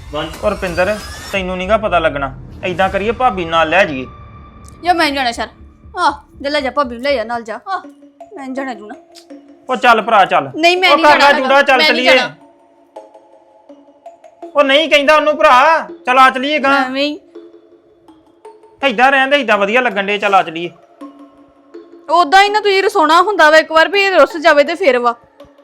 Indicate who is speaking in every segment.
Speaker 1: ਔਰ ਰੁਪਿੰਦਰ ਤੈਨੂੰ ਨਹੀਂਗਾ ਪਤਾ ਲੱਗਣਾ। ਐਦਾਂ ਕਰੀਏ ਭਾਬੀ ਨਾਲ ਲੈ ਜਾਈਏ।
Speaker 2: ਜਾਂ ਮੈਂ ਜਾਣਾ ਸ਼ਰ ਜੇ ਲੈ ਜਾ ਭਾਬੀ ਨੂੰ ਲੈ ਜਾ ਨਾਲ ਜਾ ਮੈਂ ਨੀ ਜਾਣਾ ਜੂਣਾ।
Speaker 1: ਉਹ ਚੱਲ ਭਰਾ ਚੱਲ।
Speaker 2: ਨਹੀਂ ਮੈਂ
Speaker 1: ਉਹ
Speaker 2: ਨਹੀਂ
Speaker 1: ਕਰ ਲੈ
Speaker 2: ਜਾਣਾ
Speaker 1: ਜੂੜਾ, ਚੱਲ
Speaker 2: ਮੈਂ ਨੀ
Speaker 1: ਚਲੀਏ।
Speaker 2: ਜਾਣਾ।
Speaker 1: ਉਹ ਨਹੀਂ ਕਹਿੰਦਾ ਉਹਨੂੰ ਭਰਾ, ਚੱਲ ਆ ਚਲੀਏ ਗਾਂ।
Speaker 2: ਐਵੇਂ ਹੀ
Speaker 1: ਐਦਾਂ ਰਹਿੰਦੇ ਐਦਾਂ ਵਧੀਆ ਲੱਗਣ ਦੇ, ਚੱਲ ਆ ਚਲੀਏ।
Speaker 2: ਉਦਾਂ ਹੀ ਨਾ ਤੁਸੀਂ ਰਸੋਣਾ ਹੁੰਦਾ ਵਾ ਇੱਕ ਵਾਰ ਵੀ ਰੁੱਸ ਜਾਵੇ ਤੇ ਫਿਰ ਵਾ।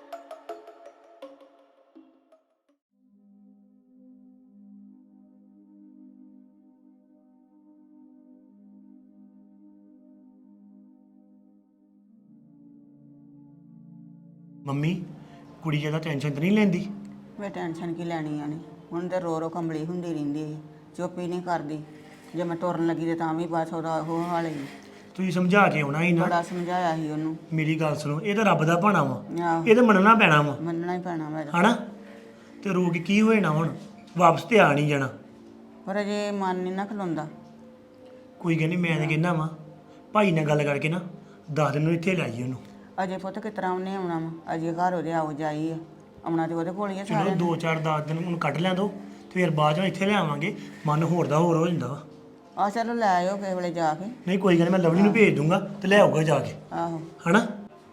Speaker 3: ਮੰਮੀ ਕੁੜੀ ਜ਼ਿਆਦਾ ਟੈਨਸ਼ਨ ਤਾਂ ਨਹੀਂ ਲੈਂਦੀ?
Speaker 4: ਮੈਂ ਟੈਨਸ਼ਨ ਕੀ ਲੈਣੀ ਆ ਨੀ ਹੁਣ ਤੇ ਰੋ ਰੋ ਕੰਬਲੀ ਹੁੰਦੀ ਰਹਿੰਦੀ ਹੈ, ਚੁੱਪ ਹੀ ਨਹੀਂ ਕਰਦੀ। ਜੇ ਮੈਂ ਤੁਰਨ ਲੱਗੀ ਤੇ ਤਾਂ ਵੀ ਬਸ ਉਹਦਾ ਉਹ ਹਾਲ ਹੀ।
Speaker 3: ਤੁਸੀਂ ਸਮਝਾ ਕੇ ਆਉਣਾ ਸੀ ਨਾ।
Speaker 4: ਬੜਾ ਸਮਝਾਇਆ ਸੀ ਉਹਨੂੰ।
Speaker 3: ਮੇਰੀ ਗੱਲ ਸੁਣੋ, ਇਹ ਤਾਂ ਰੱਬ ਦਾ ਭਾਣਾ ਵਾ,
Speaker 4: ਆਹੋ
Speaker 3: ਇਹ ਤਾਂ ਮੰਨਣਾ ਪੈਣਾ ਵਾ,
Speaker 4: ਮੰਨਣਾ ਹੀ ਪੈਣਾ ਮੈਂ
Speaker 3: ਹਨਾ? ਤੇ ਰੋ ਕੇ ਕੀ ਹੋਏ ਨਾ, ਹੁਣ ਵਾਪਸ ਤੇ ਆ ਨਹੀਂ ਜਾਣਾ।
Speaker 4: ਪਰ ਅਜੇ ਮਨ ਨਹੀਂ ਨਾ ਖਲੋਂਦਾ।
Speaker 3: ਕੋਈ ਗੱਲ ਨਹੀਂ, ਮੈਂ ਤਾਂ ਕਹਿੰਦਾ ਵਾ ਭਾਈ ਨਾਲ ਗੱਲ ਕਰਕੇ ਨਾ 10 ਦਿਨ ਨੂੰ ਇੱਥੇ ਲੈ ਜਾਈਏ ਉਹਨੂੰ।
Speaker 4: ਅਜੇ ਪੁੱਤ ਕਿਸ ਤਰ੍ਹਾਂ ਉਹਨੇ ਆਉਣਾ ਵਾ? ਅਜੇ ਘਰ ਉਹਦੇ ਆਓ ਜਾਈ ਆ, ਆਉਣਾ ਤੇ ਉਹਦੇ ਕੋਲ ਹੀ ਆ
Speaker 3: ਚਲੋ
Speaker 4: ਸਾਰਿਆਂ ਨੇ।
Speaker 3: 2-4-10 ਦਿਨ ਉਹਨੂੰ ਕੱਢ ਲਿਆ ਦੋ, ਤੇ ਫਿਰ ਬਾਅਦ ਚੋਂ ਇੱਥੇ ਲੈ ਆਵਾਂਗੇ। ਮਨ ਹੋਰ ਦਾ ਹੋਰ ਹੋ ਜਾਂਦਾ ਵਾ।
Speaker 4: ਆ ਚਲੋ ਲੈ ਆਇਓ ਕਿਸੇ ਵੇਲੇ ਜਾ ਕੇ।
Speaker 3: ਨਹੀਂ ਕੋਈ ਗੱਲ ਨੀ, ਮੈਂ ਲਵਲੀ ਨੂੰ ਭੇਜ ਦੂੰਗਾ ਤੇ ਲੈ ਆਊਗਾ ਜਾ ਕੇ,
Speaker 4: ਆਹੋ
Speaker 3: ਹਨਾ?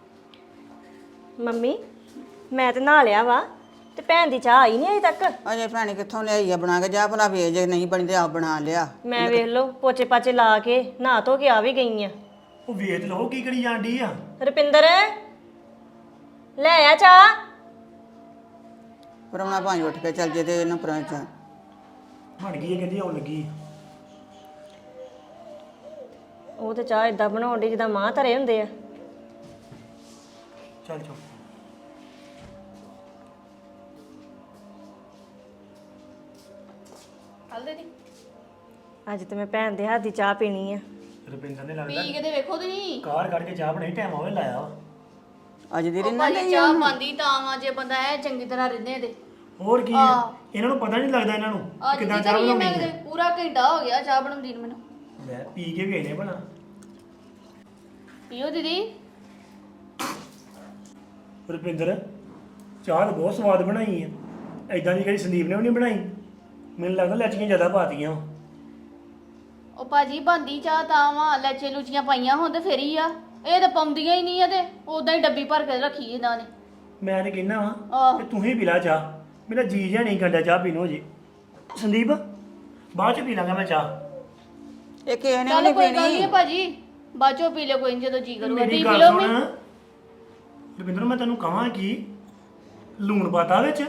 Speaker 5: ਮੰਮੀ ਮੈਂ ਤੇ ਨਹਾ ਲਿਆ ਵਾ ਤੇ ਭੈਣ ਦੀ ਚਾਹ ਆਈ ਨਹੀਂ ਅਜੇ ਤੱਕ।
Speaker 4: ਅਜੇ ਭੈਣੇ ਕਿੱਥੋਂ ਲਿਆਈ ਆ ਬਣਾ ਕੇ? ਜਾ ਭਲਾ ਵੇਚ, ਜੇ ਨਹੀਂ ਬਣੀ ਤੇ ਆਪ ਬਣਾ ਲਿਆ।
Speaker 5: ਮੈਂ ਵੇਖ ਲਓ ਪੋਚੇ ਪਾਚੇ ਲਾ ਕੇ ਨਹਾ ਧੋ ਕੇ ਆ ਵੀ ਗਈ ਆ।
Speaker 3: ਉਹ ਵੇਚ ਲਓ ਕੀ ਕਰੀ ਜਾਂਦੀ ਆ।
Speaker 5: ਰੁਪਿੰਦਰ ਲੈ ਆ ਚਾਹ।
Speaker 4: ਪਰਮਣਾ ਭਾਂਜ ਉੱਠ ਕੇ ਚੱਲ ਜੇ ਤੇ ਇਹਨੂੰ ਪਰਾਂ
Speaker 3: ਬਣ ਗਈ ਹੈ, ਕਹਿੰਦੀ ਆਉਣ ਲੱਗੀ।
Speaker 5: ਉਹ ਤੇ ਚਾਹ ਇਦਾਂ ਬਣਾਉਣ ਦੀ ਜਿੱਦਾਂ ਮਾਂ ਧਰੇ ਹੁੰਦੇ ਆ।
Speaker 3: ਚੱਲ ਚੱਲ
Speaker 5: ਅੱਜ ਤੇ ਮੈਂ ਭੈਣ ਦੇ ਹੱਥ ਦੀ ਚਾਹ ਪੀਣੀ ਆ।
Speaker 3: ਰੁਪਿੰਦਰ ਨੇ ਲੱਗਦਾ
Speaker 2: ਪੀ ਕੇ ਤੇ ਵੇਖੋ ਤੁਸੀਂ
Speaker 3: ਕਾਰ ਕੱਢ ਕੇ ਚਾਹ ਬਣਾਈ, ਟਾਈਮ ਆਵੇ ਲਾਇਆ ਵਾ।
Speaker 4: ਅੱਜ ਦੀ ਰਿੰਨਾ
Speaker 2: ਭਾਜੀ ਚਾਹ ਪਾਉਂਦੀ ਤਾਂ ਵਾ ਜੇ ਬੰਦਾ ਐ ਚੰਗੀ ਤਰ੍ਹਾਂ ਰਹਿੰਦੇ ਤੇ।
Speaker 3: ਹੋਰ ਕੀ ਹੈ, ਇਹਨਾਂ ਨੂੰ ਪਤਾ ਨਹੀਂ ਲੱਗਦਾ ਇਹਨਾਂ ਨੂੰ
Speaker 2: ਅੱਜ
Speaker 3: ਕਿਦਾਂ
Speaker 2: ਦੀ
Speaker 3: ਚਾਹ
Speaker 2: ਕਰੀਏ
Speaker 3: ਬਣਾਉਣੀ
Speaker 2: ਮੈਂ
Speaker 3: ਹੈ।
Speaker 2: ਕਿਤੇ ਪੂਰਾ ਘੰਟਾ ਹੋ ਗਿਆ ਚਾਹ ਬਣਾਉਂਦੀ ਨੂੰ ਮੈਨੂੰ।
Speaker 3: ਲੈ ਪੀ ਕੇ ਗਏ ਨੇ ਬਣਾ।
Speaker 2: ਪੀਓ ਦੀਦੀ।
Speaker 3: ਰੁਪਿੰਦਰ ਚਾਹ ਤਾਂ ਬਹੁਤ ਸਵਾਦ ਬਣਾਈ ਹੈ, ਐਦਾਂ ਦੀ ਕਦੀ ਸੰਦੀਪ ਨੇ ਵੀ ਨਹੀਂ ਬਣਾਈ। ਮੈਨੂੰ ਲੱਗਦਾ ਲੈਚੀਆਂ ਜ਼ਿਆਦਾ ਪਾਤੀਆਂ।
Speaker 2: ਉਹ ਭਾਜੀ ਬੰਦੀ ਚਾਹ ਤਾਂ ਵਾ ਲੈਚੇ ਲੂਚੀਆਂ ਪਾਈਆਂ ਹੋਣ ਤੇ ਫੇਰ ਹੀ ਆ। ਇਹ ਤਾਂ ਪਾਉਂਦੀਆਂ ਹੀ ਨਹੀਂ ਆ ਤੇ ਉਦਾਂ ਹੀ ਡੱਬੀ ਭਰ ਕੇ ਰੱਖੀ ਇਹਨਾਂ ਨੇ।
Speaker 3: ਮੈਂ ਤੇ ਕਹਿੰਦਾ ਵਾਂ
Speaker 2: ਆਹ
Speaker 3: ਕਿ ਤੂੰ ਹੀ ਪੀ ਲੈ ਚਾਹ, ਮੇਰਾ ਜੀ ਜਿਹਾ ਨਹੀਂ ਕਰਦਾ ਚਾਹ ਪੀਣੋ ਜੇ। ਸੰਦੀਪ ਬਾਅਦ ਚ ਪੀ ਲਾਂਗਾ ਮੈਂ ਚਾਹ।
Speaker 4: ਇਹ ਕਿਸੇ ਨੇ ਵੀ
Speaker 2: ਚੱਲ
Speaker 4: ਨਹੀਂ
Speaker 2: ਕੋਈ ਗੱਲ
Speaker 4: ਪੀਣੀ।
Speaker 2: ਨਹੀਂ ਭਾਜੀ ਬਾਅਦ ਚੋਂ ਪੀ ਲਿਓ, ਕੋਈ ਨੀ ਜਦੋਂ ਜੀ ਕਰੂਗਾ
Speaker 3: ਮੇਰੀ
Speaker 2: ਤੁਸੀਂ ਪੀ
Speaker 3: ਗੱਲ
Speaker 2: ਲਓ।
Speaker 3: ਸੁਣ ਰੁਪਿੰਦਰ, ਮੈਂ ਤੈਨੂੰ ਕਹਾਂ ਕਿ ਲੂਣ ਪਾਤਾ ਵਿੱਚ।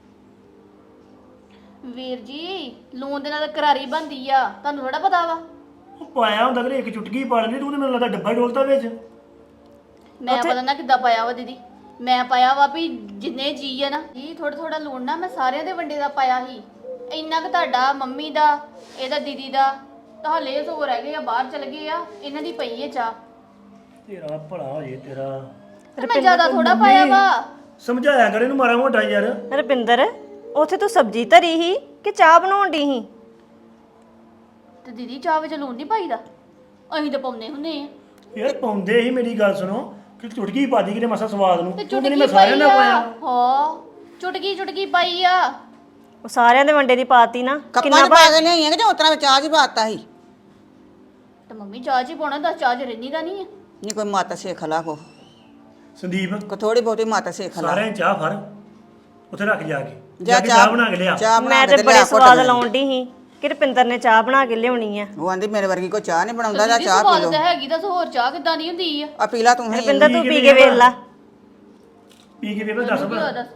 Speaker 2: ਵੀਰ ਜੀ ਲੂਣ ਦੇ ਨਾਲ ਤਾਂ ਕਰਾਰੀ ਬਣਦੀ ਆ, ਤੁਹਾਨੂੰ ਥੋੜਾ ਪਤਾ ਵਾ।
Speaker 3: ਉਹ ਪਾਇਆ ਹੁੰਦਾ ਕਿ ਇੱਕ ਚੁਟਕੀ ਪਾ ਲੈਂਦੀ, ਤੂੰ ਤੇ ਮੈਨੂੰ ਲੱਗਦਾ ਡੱਬਾ ਡੋਲਤਾ ਵਿੱਚ।
Speaker 2: ਮੈਂ ਪਤਾ ਨਾ ਕਿੱਦਾਂ ਪਾਇਆ ਵਾ ਦੀਦੀ। ਮੈਂ ਪਾਇਆ ਵਾ ਵੀ ਜਿੰਨੇ ਜੀ ਆ ਨਾ ਜੀ ਥੋੜਾ ਥੋੜਾ ਲੂਣ ਨਾ ਮੈਂ ਸਾਰਿਆਂ ਦੇ ਵੰਡੇ ਦਾ ਪਾਇਆ ਸੀ। ਇੰਨਾ ਕੁ ਤੁਹਾਡਾ, ਮੰਮੀ ਦਾ, ਇਹਦਾ ਦੀਦੀ ਦਾ ਤਾਂ ਹਲੇ ਸੋ ਰਹਿ ਗਏ ਆ, ਬਾਹਰ ਚਲ ਗਏ ਆ। ਇਹਨਾਂ ਦੀ ਪਈ ਹੈ ਚਾਹ।
Speaker 3: ਤੇਰਾ ਭਲਾ ਹੋ ਜੇ ਤੇਰਾ।
Speaker 2: ਤੇ ਮੈਂ ਜ਼ਿਆਦਾ ਥੋੜਾ ਪਾਇਆ ਵਾ।
Speaker 3: ਸਮਝਾਇਆ ਕਰ ਇਹਨੂੰ ਮਾੜਾ ਮੋਟਾ ਯਾਰ।
Speaker 5: ਰੁਪਿੰਦਰ ਉੱਥੇ ਤੂੰ ਸਬਜ਼ੀ ਧਰੀ ਸੀ ਕਿ ਚਾਹ ਬਣਾਉਣ ਦੀ ਸੀ?
Speaker 2: ਤੇ ਦੀਦੀ ਚਾਹ ਵਿੱਚ ਲੂਣ ਨਹੀਂ ਪਾਈਦਾ, ਅਸੀਂ ਤਾਂ ਪਾਉਂਦੇ ਹੁੰਦੇ ਆ।
Speaker 3: ਯਾਰ ਪਾਉਂਦੇ ਹੀ, ਮੇਰੀ ਗੱਲ ਸੁਣੋ, ਕਿ ਚੁਟਕੀ ਪਾਦੀ ਕਿਤੇ ਮਸਾ ਸਵਾਦ ਨੂੰ।
Speaker 2: ਤੇ
Speaker 3: ਤੂੰ ਕਹਿੰਦੀ
Speaker 2: ਚੁਟਕੀ
Speaker 3: ਮੈਂ ਸਾਰਿਆਂ
Speaker 2: ਪਾਈ
Speaker 3: ਦਾ
Speaker 2: ਆ।
Speaker 3: ਪਾਇਆ।
Speaker 2: ਹਾਂ ਚੁਟਕੀ ਚੁਟਕੀ ਪਾਈ ਆ।
Speaker 5: ਉਹ ਸਾਰਿਆਂ ਦੇ ਵੰਡੇ ਦੀ ਪਾਤੀ ਨਾ।
Speaker 4: ਕੱਪਾਂ 'ਚ ਪਾ ਕੇ ਲਿਆਈਆਂ ਕਿ ਜਾਂ ਉਤਰਾ ਵਿੱਚ ਚਾਹ 'ਚ ਪਾਤਾ ਸੀ?
Speaker 2: ਤੇ ਮੰਮੀ ਚਾਹ 'ਚ ਹੀ ਪਾਉਣਾ, ਦੱਸ ਚਾਹ 'ਚ ਰਹਿੰਦੀ ਤਾਂ ਨਹੀਂ ਆ।
Speaker 4: ਨਹੀਂ ਕੋਈ ਮੱਤ ਸਿੱਖ ਲਾ ਕੋ
Speaker 3: ਸੰਦੀਪ
Speaker 4: ਥੋੜੀ ਬਹੁਤੀ ਮੱਤ ਸਿੱਖ ਲਾ।
Speaker 3: ਸਾਰਿਆਂ ਨੇ ਚਾਹ ਫੜ ਉੱਥੇ ਰੱਖ ਜਾ ਕੇ,
Speaker 4: ਜਾ
Speaker 3: ਕੇ ਚਾਹ ਬਣਾ ਕੇ ਲਿਆ।
Speaker 4: ਚਾਹ ਬਣਾ
Speaker 5: ਮੈਂ
Speaker 4: ਕੇ
Speaker 5: ਤੇ
Speaker 4: ਤੇ
Speaker 5: ਬੜੇ
Speaker 4: ਲਿਆ
Speaker 5: ਸਵਾਦ
Speaker 4: ਘੁੱਟ।
Speaker 5: ਲਾਉਣ ਦੀ ਸੀ ਕਿ ਰੁਪਿੰਦਰ ਨੇ ਚਾਹ ਬਣਾ ਕੇ ਲਿਆਉਣੀ ਆ।
Speaker 4: ਉਹ ਆਂਦੀ ਮੇਰੇ ਵਰਗੀ ਕੋਈ ਚਾਹ ਨਹੀਂ ਬਣਾਉਂਦਾ, ਜਾਂ
Speaker 2: ਦੀਦੀ
Speaker 4: ਚਾਹ ਪੀ
Speaker 2: ਸਵਾਦ
Speaker 4: ਲਓ।
Speaker 2: ਤਾਂ ਹੈਗੀ, ਦੱਸ ਹੋਰ ਚਾਹ ਕਿੱਦਾਂ ਦੀ ਹੁੰਦੀ ਆ।
Speaker 4: ਆ ਪੀ ਲਾ ਤੂੰ ਹੀ।
Speaker 5: ਰੁਪਿੰਦਰ ਤੂੰ ਪੀ ਕੇ ਵੇਖ ਲਾ।
Speaker 3: ਪੀ ਕੇ ਵੇਖ ਦੱਸ ਭਲਾ।
Speaker 2: ਦੱਸ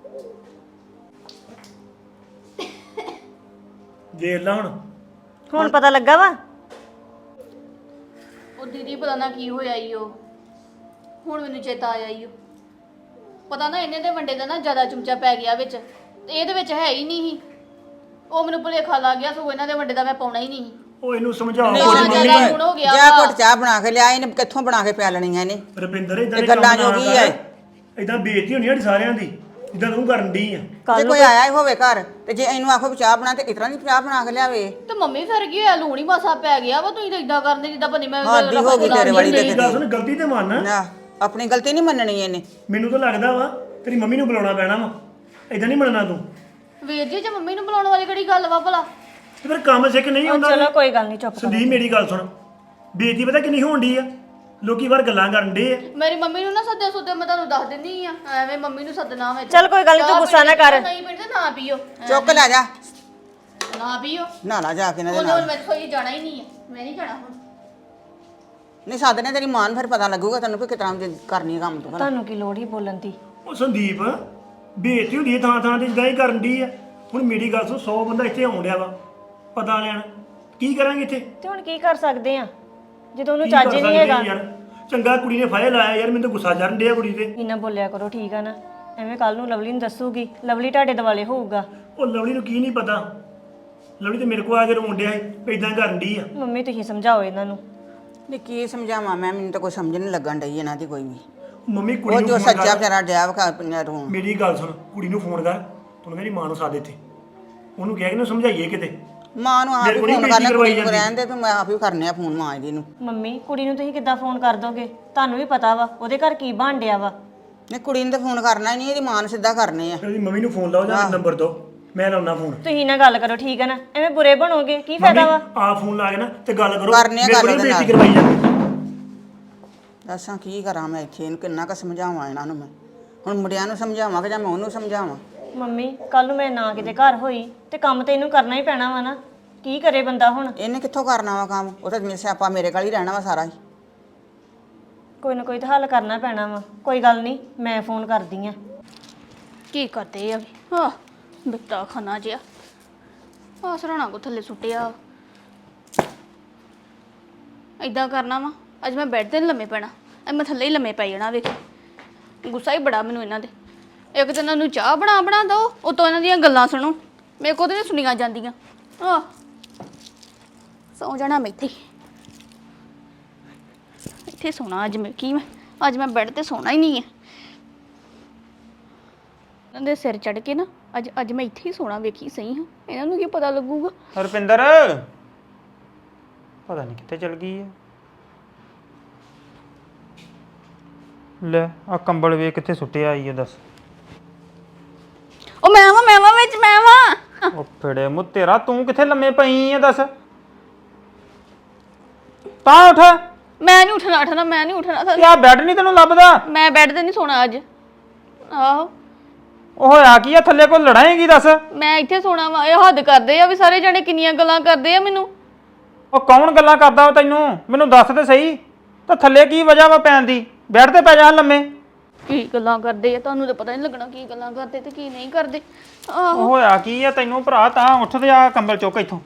Speaker 3: ਵੇਖ ਲਾ
Speaker 5: ਹੁਣ ਪਤਾ ਲੱਗਾ ਵਾ?
Speaker 2: ਉਹ ਦੀਦੀ ਪਤਾ ਨਾ ਕੀ ਹੋਇਆ ਈ ਉਹ, ਹੁਣ ਮੈਨੂੰ ਚੇਤਾ ਆਇਆ ਈ ਉਹ। ਪਤਾ ਨਾ ਇਹਨੇ ਦੇ ਵੰਡੇ ਦਾ ਨਾ ਜ਼ਿਆਦਾ ਚਮਚਾ ਪੈ ਗਿਆ ਵਿੱਚ, ਤੇ ਇਹਦੇ ਵਿੱਚ ਹੈ ਹੀ ਨਹੀਂ ਸੀ। ਉਹ ਮੈਨੂੰ ਭੁਲੇਖਾ ਲੱਗ ਗਿਆ, ਸੋ ਇਹਨਾਂ ਦੇ ਵੰਡੇ ਦਾ ਮੈਂ ਪਾਉਣਾ ਹੀ ਨਹੀਂ ਸੀ।
Speaker 3: ਉਹ ਇਹਨੂੰ ਸਮਝਾਓ
Speaker 2: ਨਹੀਂ,
Speaker 3: ਕੁਝ
Speaker 2: ਨਹੀਂ,
Speaker 3: ਮੰਮੀ।
Speaker 2: ਜ਼ਿਆਦਾ ਗੁਣ ਹੋ ਗਿਆ
Speaker 4: ਜਾ
Speaker 2: ਵਾ।
Speaker 4: ਘੁੱਟ ਚਾਹ ਬਣਾ ਕੇ ਲਿਆ, ਇਹਨੇ ਕਿੱਥੋਂ ਬਣਾ ਕੇ ਪਿਆ ਲੈਣੀਆਂ ਇਹਨੇ?
Speaker 3: ਰੁਪਿੰਦਰ ਇਦਾਂ
Speaker 4: ਇਹ ਗੱਲਾਂ ਜੋ ਕੀ ਹੈ?
Speaker 3: ਇਦਾਂ ਬੇਇੱਜ਼ਤੀ ਹੋਣੀ ਸਾਡੀ ਸਾਰਿਆਂ ਦੀ, ਜਿੱਦਾਂ ਤੂੰ ਕਰਨ ਦੀ ਆ।
Speaker 4: ਜੇ ਕੋਈ ਆਇਆ ਹੀ ਹੋਵੇ ਘਰ ਤੇ ਜੇ ਇਹਨੂੰ ਆਖੋ ਵੀ ਚਾਹ ਬਣਾ ਤੇ ਇਤਨਾ ਦੀ ਚਾਹ ਬਣਾ ਕੇ ਲਿਆਵੇ।
Speaker 2: ਤੇ ਮੰਮੀ ਫਿਰ ਕੀ ਹੋਇਆ, ਲੂਣ ਹੀ ਮਾਸਾ ਪੈ ਗਿਆ ਵਾ। ਤੁਸੀਂ ਤਾਂ ਇਦਾਂ ਕਰਦੇ ਜਿੱਦਾਂ ਪਤਾ ਮੈਂ
Speaker 4: ਹੱਦ ਹੀ ਹੋ ਗਈ ਤੇਰੇ ਵਾਲੀ
Speaker 3: ਮੇਰੀ
Speaker 4: ਤੇ।
Speaker 3: ਗੱਲ ਸੁਣ, ਗਲਤੀ ਤੇ ਮੰਨ।
Speaker 4: ਨਾ ਆਪਣੀ ਗਲਤੀ ਨਹੀਂ ਮੰਨਣੀ ਇਹਨੇ।
Speaker 3: ਮੈਨੂੰ ਤਾਂ ਲੱਗਦਾ ਵਾ ਤੇਰੀ ਮੰਮੀ ਨੂੰ ਬੁਲਾਉਣਾ ਪੈਣਾ ਵਾ, ਇਦਾਂ ਨਹੀਂ ਮੰਨਣਾ ਤੂੰ।
Speaker 2: ਵੀਰ ਜੀ ਜੇ ਮੰਮੀ ਨੂੰ ਬੁਲਾਉਣ ਵਾਲੀ ਕਿਹੜੀ ਗੱਲ ਵਾ ਭਲਾ?
Speaker 3: ਤੇ ਫਿਰ ਕੰਮ ਸਿੱਖ ਨਹੀਂ ਹੁੰਦਾ
Speaker 5: ਚਲੋ ਕੋਈ ਗੱਲ ਨਹੀਂ, ਚੁੱਪ ਕਰੋ।
Speaker 3: ਸੰਦੀਪ ਮੇਰੀ ਗੱਲ ਸੁਣ, ਬੇਇੱਜ਼ਤੀ ਪਤਾ ਕਿੰਨੀ ਹੋਣ ਡਈ ਆ, ਲੋਕੀ ਬਾਹਰ ਗੱਲਾਂ ਕਰਨ ਡੇ ਆ।
Speaker 2: ਮੇਰੀ ਮੰਮੀ ਨੂੰ ਨਾ ਸੱਦੇ ਸੁੱਦੇ ਮੈਂ ਤੁਹਾਨੂੰ ਦੱਸ ਦਿੰਦੀ ਆ, ਐਵੇਂ ਮੰਮੀ ਨੂੰ ਸੱਦਣਾ ਵਿੱਚ।
Speaker 5: ਚੱਲ ਕੋਈ ਗੱਲ ਨੀ, ਤੂੰ
Speaker 2: ਚਾਹ
Speaker 5: ਗੁੱਸਾ ਨਾ
Speaker 2: ਪੀਣੀ
Speaker 5: ਕਰ।
Speaker 2: ਨਹੀਂ ਪੀਣੀ ਤਾਂ ਨਾ ਪੀਓ,
Speaker 4: ਚੁੱਕ ਲੈ ਜਾ,
Speaker 2: ਨਾ ਪੀਓ।
Speaker 4: ਨਾਲਾ ਜਾ ਕੇ ਇਹਨਾਂ ਦੇ
Speaker 2: ਉਹਨੇ
Speaker 4: ਨਾਲ।
Speaker 2: ਹੁਣ ਮੈਂ ਕੋਈ ਜਾਣਾ ਹੀ ਨਹੀਂ ਆ, ਮੈਂ ਨਹੀਂ ਜਾਣਾ ਹੁਣ।
Speaker 4: ਨਹੀਂ ਸਾਧਨੇ ਤੇਰੀ ਮਾਂ ਨੂੰ ਫਿਰ ਪਤਾ ਲੱਗੂਗਾ ਤੈਨੂੰ ਕਿ ਕਿਤਨਾ ਕਰਨੀ ਕੰਮ ਤੂੰ ਭਲਾ।
Speaker 5: ਤੁਹਾਨੂੰ ਕੀ ਲੋੜ ਹੀ ਬੋਲਣ ਦੀ?
Speaker 3: ਉਹ ਸੰਦੀਪ ਬੇਇੱਜ਼ਤੀ ਹੁੰਦੀ ਹੈ ਥਾਂ ਥਾਂ ਤੇ ਜਿੱਦਾਂ ਹੀ ਕਰਨ ਡਈ ਆ। ਹੁਣ ਮੇਰੀ ਗੱਲ ਸੁਣ, 100 ਬੰਦਾ ਇੱਥੇ ਆਉਣ ਡਿਆ ਵਾ ਪਤਾ ਲੈਣ, ਕੀ ਕਰਾਂਗੇ ਇੱਥੇ?
Speaker 5: ਤੇ ਹੁਣ ਕੀ ਕਰ ਸਕਦੇ ਆ ਜਦੋਂ ਉਹਨੂੰ
Speaker 3: ਕੀ ਕਰ
Speaker 5: ਚੱਜ ਹੀ ਨਹੀਂ
Speaker 3: ਸਕਦੇ
Speaker 5: ਹੈਗਾ?
Speaker 3: ਯਾਰ, ਚੰਗਾ ਕੁੜੀ ਨੇ ਫਾਇਲ ਲਾਇਆ ਯਾਰ, ਮੈਨੂੰ ਤਾਂ ਗੁੱਸਾ ਚੜਨ ਡਿਆ ਕੁੜੀ ਤੇ।
Speaker 5: ਇੰਨਾ ਬੋਲਿਆ ਕਰੋ, ਠੀਕ ਆ ਨਾ? ਐਵੇਂ ਕੱਲ ਨੂੰ ਲਵਲੀ ਨੂੰ ਦੱਸੂਗੀ, ਲਵਲੀ ਤੁਹਾਡੇ ਦਿਵਾਲੇ ਹੋਊਗਾ।
Speaker 3: ਉਹ ਲਵਲੀ ਨੂੰ ਕੀ ਨਹੀਂ ਪਤਾ, ਲਵਲੀ ਤੇ ਮੇਰੇ ਕੋਲ ਆ ਕੇ ਰੋਣ ਡਿਆ ਸੀ, ਇਦਾਂ ਕਰਨ ਡਈ ਆ।
Speaker 5: ਮੰਮੀ ਤੁਸੀਂ ਸਮਝਾਓ ਇਹਨਾਂ ਨੂੰ।
Speaker 4: ਨਹੀਂ ਕੀ ਸਮਝਾਵਾਂ ਮੈਂ, ਮੈਨੂੰ ਤਾਂ ਕੋਈ ਸਮਝ ਨਹੀਂ ਲੱਗਣ ਡਈ ਇਹਨਾਂ ਦੀ ਕੋਈ ਵੀ।
Speaker 3: ਮੰਮੀ ਕੁੜੀ
Speaker 4: ਉਹ
Speaker 3: ਨੂੰ
Speaker 4: ਜੋ
Speaker 3: ਫੋਨ
Speaker 4: ਸੱਚਾ
Speaker 3: ਕਰ,
Speaker 4: ਵਿਚਾਰਾ ਡਿਆ ਵਾ ਰੋਣ।
Speaker 3: ਮੇਰੀ ਗੱਲ ਸੁਣ, ਕੁੜੀ ਨੂੰ ਫੋਨ ਕਰ, ਤੂੰ ਮੇਰੀ ਮਾਂ ਨੂੰ ਸਾਧ ਇੱਥੇ, ਉਹਨੂੰ ਕਹਿ ਕੇ ਨਾ ਸਮਝਾਈਏ ਕਿਤੇ।
Speaker 4: ਮਾਂ ਨੂੰ ਆਪ ਹੀ
Speaker 3: ਮੇਰੇ ਕੋਲ
Speaker 4: ਫੋਨ
Speaker 3: ਨਹੀਂ
Speaker 4: ਕਰਨਾ,
Speaker 3: ਕਰਵਾਈ
Speaker 4: ਕੁੜੀ ਨੂੰ
Speaker 3: ਜਾਂਦੀ।
Speaker 4: ਰਹਿਣ ਦੇ ਤੂੰ, ਮੈਂ ਆਪ ਹੀ ਕਰਨੇ ਆ ਫੋਨ ਮਾਂ ਇਹਦੀ ਨੂੰ।
Speaker 5: ਮੰਮੀ ਕੁੜੀ ਨੂੰ ਤੁਸੀਂ ਕਿੱਦਾਂ ਫੋਨ ਕਰ ਦੋਗੇ? ਤੁਹਾਨੂੰ ਵੀ ਪਤਾ ਵਾ ਉਹਦੇ ਘਰ ਕੀ ਬਣ ਡਿਆ ਵਾ।
Speaker 4: ਨਹੀਂ ਕੁੜੀ ਨੂੰ ਤਾਂ ਫੋਨ ਕਰਨਾ ਹੀ ਨਹੀਂ, ਇਹਦੀ ਮਾਂ ਨੂੰ ਸਿੱਧਾ ਕਰਨੇ ਆ।
Speaker 3: ਫਿਰ ਉਹਦੀ ਮੰਮੀ ਨੂੰ ਫੋਨ ਲਾਓ ਜਾਂ ਨੰਬਰ ਦਿਓ, ਮੈਂ ਲਾਉਣਾ ਫੋਨ।
Speaker 5: ਤੁਸੀਂ ਨਾ ਗੱਲ ਕਰੋ, ਠੀਕ ਹੈ ਨਾ? ਐਵੇਂ ਬੁਰੇ ਬਣੋਗੇ, ਕੀ ਫਾਇਦਾ ਵਾ?
Speaker 3: ਆ ਫੋਨ ਲਾ ਕੇ ਨਾ ਤੇ ਗੱਲ ਕਰੋ,
Speaker 4: ਕਰਨੇ ਆ
Speaker 3: ਮੇਰੇ ਕੋਲ
Speaker 4: ਗੱਲ ਉਹਦੇ
Speaker 3: ਬੇਇੱਜ਼ਤੀ
Speaker 4: ਨਾਲ।
Speaker 3: ਕਰਵਾਈ ਜਾਂਦੀ।
Speaker 4: ਦੱਸਾਂ ਕੀ ਕਰਾਂ ਮੈਂ ਇੱਥੇ, ਇਹਨੂੰ ਕਿੰਨਾ ਕੁ ਸਮਝਾਵਾਂ ਇਹਨਾਂ ਨੂੰ ਮੈਂ। ਹੁਣ ਮੁੰਡਿਆਂ ਨੂੰ ਸਮਝਾਵਾਂ ਕਿ ਜਾਂ ਮੈਂ ਉਹਨੂੰ ਸਮਝਾਵਾਂ?
Speaker 5: ਮੰਮੀ ਕੱਲ ਨੂੰ ਮੈਂ ਨਾ ਕਿਤੇ ਘਰ ਹੋਈ ਤੇ ਕੰਮ ਤੇ ਇਹਨੂੰ ਕਰਨਾ ਹੀ ਪੈਣਾ ਵਾ ਨਾ। ਕੀ ਕਰੇ ਬੰਦਾ ਹੁਣ?
Speaker 4: ਇਹਨੇ ਕਿੱਥੋਂ ਕਰਨਾ ਵਾ ਕੰਮ? ਉਹ ਤਾਂ ਮੇਰੇ ਸਿਆਪਾ ਮੇਰੇ ਕੋਲ ਹੀ ਰਹਿਣਾ ਵਾ ਸਾਰਾ ਹੀ।
Speaker 5: ਕੋਈ ਨਾ ਕੋਈ ਤਾਂ ਹੱਲ ਕਰਨਾ ਪੈਣਾ ਵਾ। ਕੋਈ ਗੱਲ ਨਹੀਂ, ਮੈਂ ਫੋਨ ਕਰਦੀ ਆ।
Speaker 2: ਕੀ ਕਰਦੇ ਆ? ਹਾਂ ਬਿੱਟਾ ਖਾਣਾ ਜਿਆ ਆ ਸਰਾਣਾ ਕੋ ਥੱਲੇ ਸੁੱਟਿਆ। ਏਦਾਂ ਕਰਨਾ ਵਾ, ਅੱਜ ਮੈਂ ਬੈੱਡ ਤੇ ਨੀ ਲੰਮੇ ਪੈਣਾ, ਅੱਜ ਮੈਂ ਥੱਲੇ ਹੀ ਲੰਮੇ ਪੈ ਜਾਣਾ। ਵੇਖ ਗੁੱਸਾ ਹੀ ਬੜਾ ਮੈਨੂੰ ਇਹਨਾਂ ਦੇ। ਇੱਕ ਤਾਂ ਇਹਨਾਂ ਨੂੰ ਚਾਹ ਬਣਾ ਬਣਾ ਦੋ, ਉਤੋਂ ਇਹਨਾਂ ਦੀਆਂ ਗੱਲਾਂ ਸੁਣੋ, ਮੇਰੇ ਕੋਲ ਤਾਂ ਨੀ ਸੁਣੀਆਂ ਜਾਂਦੀਆਂ। ਆਹ ਸੌ ਜਾਣਾ ਮੈਂ ਇੱਥੇ ਇੱਥੇ ਸੋਣਾ ਅੱਜ। ਮੈਂ ਕੀ ਮੈਂ ਅੱਜ ਮੈਂ ਬੈੱਡ ਤੇ ਸੋਣਾ ਹੀ ਨਹੀਂ ਹੈ। ਇਹਨਾਂ ਦੇ ਸਿਰ ਚੜ ਕੇ ਨਾ ਅੱਜ ਮੈਂ ਇੱਥੇ ਹੀ ਸੋਣਾ। ਵੇਖੀ ਸਹੀ ਹਾਂ, ਇਹਨਾਂ ਨੂੰ ਕੀ ਪਤਾ ਲੱਗੂਗਾ।
Speaker 1: ਹਰਪਿੰਦਰ ਪਤਾ ਨਹੀਂ ਕਿੱਥੇ ਚਲ ਗਈ ਹੈ। ਲੈ ਆ ਕੰਬਲ ਵੇ ਕਿੱਥੇ ਸੁੱਟਿਆ ਆਈ ਹੈ ਦੱਸ।
Speaker 2: ਉਹ ਮੈਂ ਵਾਂ ਵਿੱਚ ਮੈਂ ਵਾਂ।
Speaker 1: ਉਹ ਫੜੇ ਮੂੰਹ ਤੇਰਾ, ਤੂੰ ਕਿੱਥੇ ਲੰਮੇ ਪਈ ਹੈ ਦੱਸ? ਤਾਂ ਉੱਠ।
Speaker 2: ਮੈਂ ਨਹੀਂ ਉੱਠਣਾ ਮੈਂ ਨਹੀਂ ਉੱਠਣਾ।
Speaker 1: ਯਾ ਬੈੱਡ ਨਹੀਂ ਤੈਨੂੰ ਲੱਭਦਾ?
Speaker 2: ਮੈਂ ਬੈੱਡ ਤੇ ਨਹੀਂ ਸੋਣਾ ਅੱਜ। ਆਹੋ
Speaker 1: ਉਹ ਹੋਇਆ ਕੀ ਆ, ਥੱਲੇ ਕੋਈ ਲੜਾਏਗੀ ਦੱਸ?
Speaker 2: ਮੈਂ ਇੱਥੇ ਸੋਣਾ ਵਾ। ਇਹ ਹੱਦ ਕਰਦੇ ਆ ਵੀ ਸਾਰੇ ਜਣੇ ਕਿੰਨੀਆਂ ਗੱਲਾਂ ਕਰਦੇ ਆ ਮੈਨੂੰ।
Speaker 1: ਉਹ ਕੌਣ ਗੱਲਾਂ ਕਰਦਾ ਤੈਨੂੰ? ਮੈਨੂੰ ਦੱਸ ਤੇ ਸਹੀ। ਤਾਂ ਥੱਲੇ ਕੀ ਵਜ੍ਹਾ ਵਾ ਪੈਣ ਦੀ? ਬੈੱਡ ਤੇ ਪੈ ਜਾ ਲੰਮੇ।
Speaker 2: ਕੀ ਗੱਲਾਂ ਕਰਦੇ ਆ, ਤੁਹਾਨੂੰ ਤਾਂ ਪਤਾ ਨਹੀਂ ਲੱਗਣਾ ਕੀ ਗੱਲਾਂ ਕਰਦੇ ਤੇ ਕੀ ਨਹੀਂ ਕਰਦੇ। ਆਹੋ
Speaker 1: ਉਹ ਹੋਇਆ ਕੀ ਆ ਤੈਨੂੰ ਭਰਾ? ਤਾਂ ਉੱਠ ਤੇ ਆ ਕੰਬਲ ਚੁੱਕ ਇੱਥੋਂ।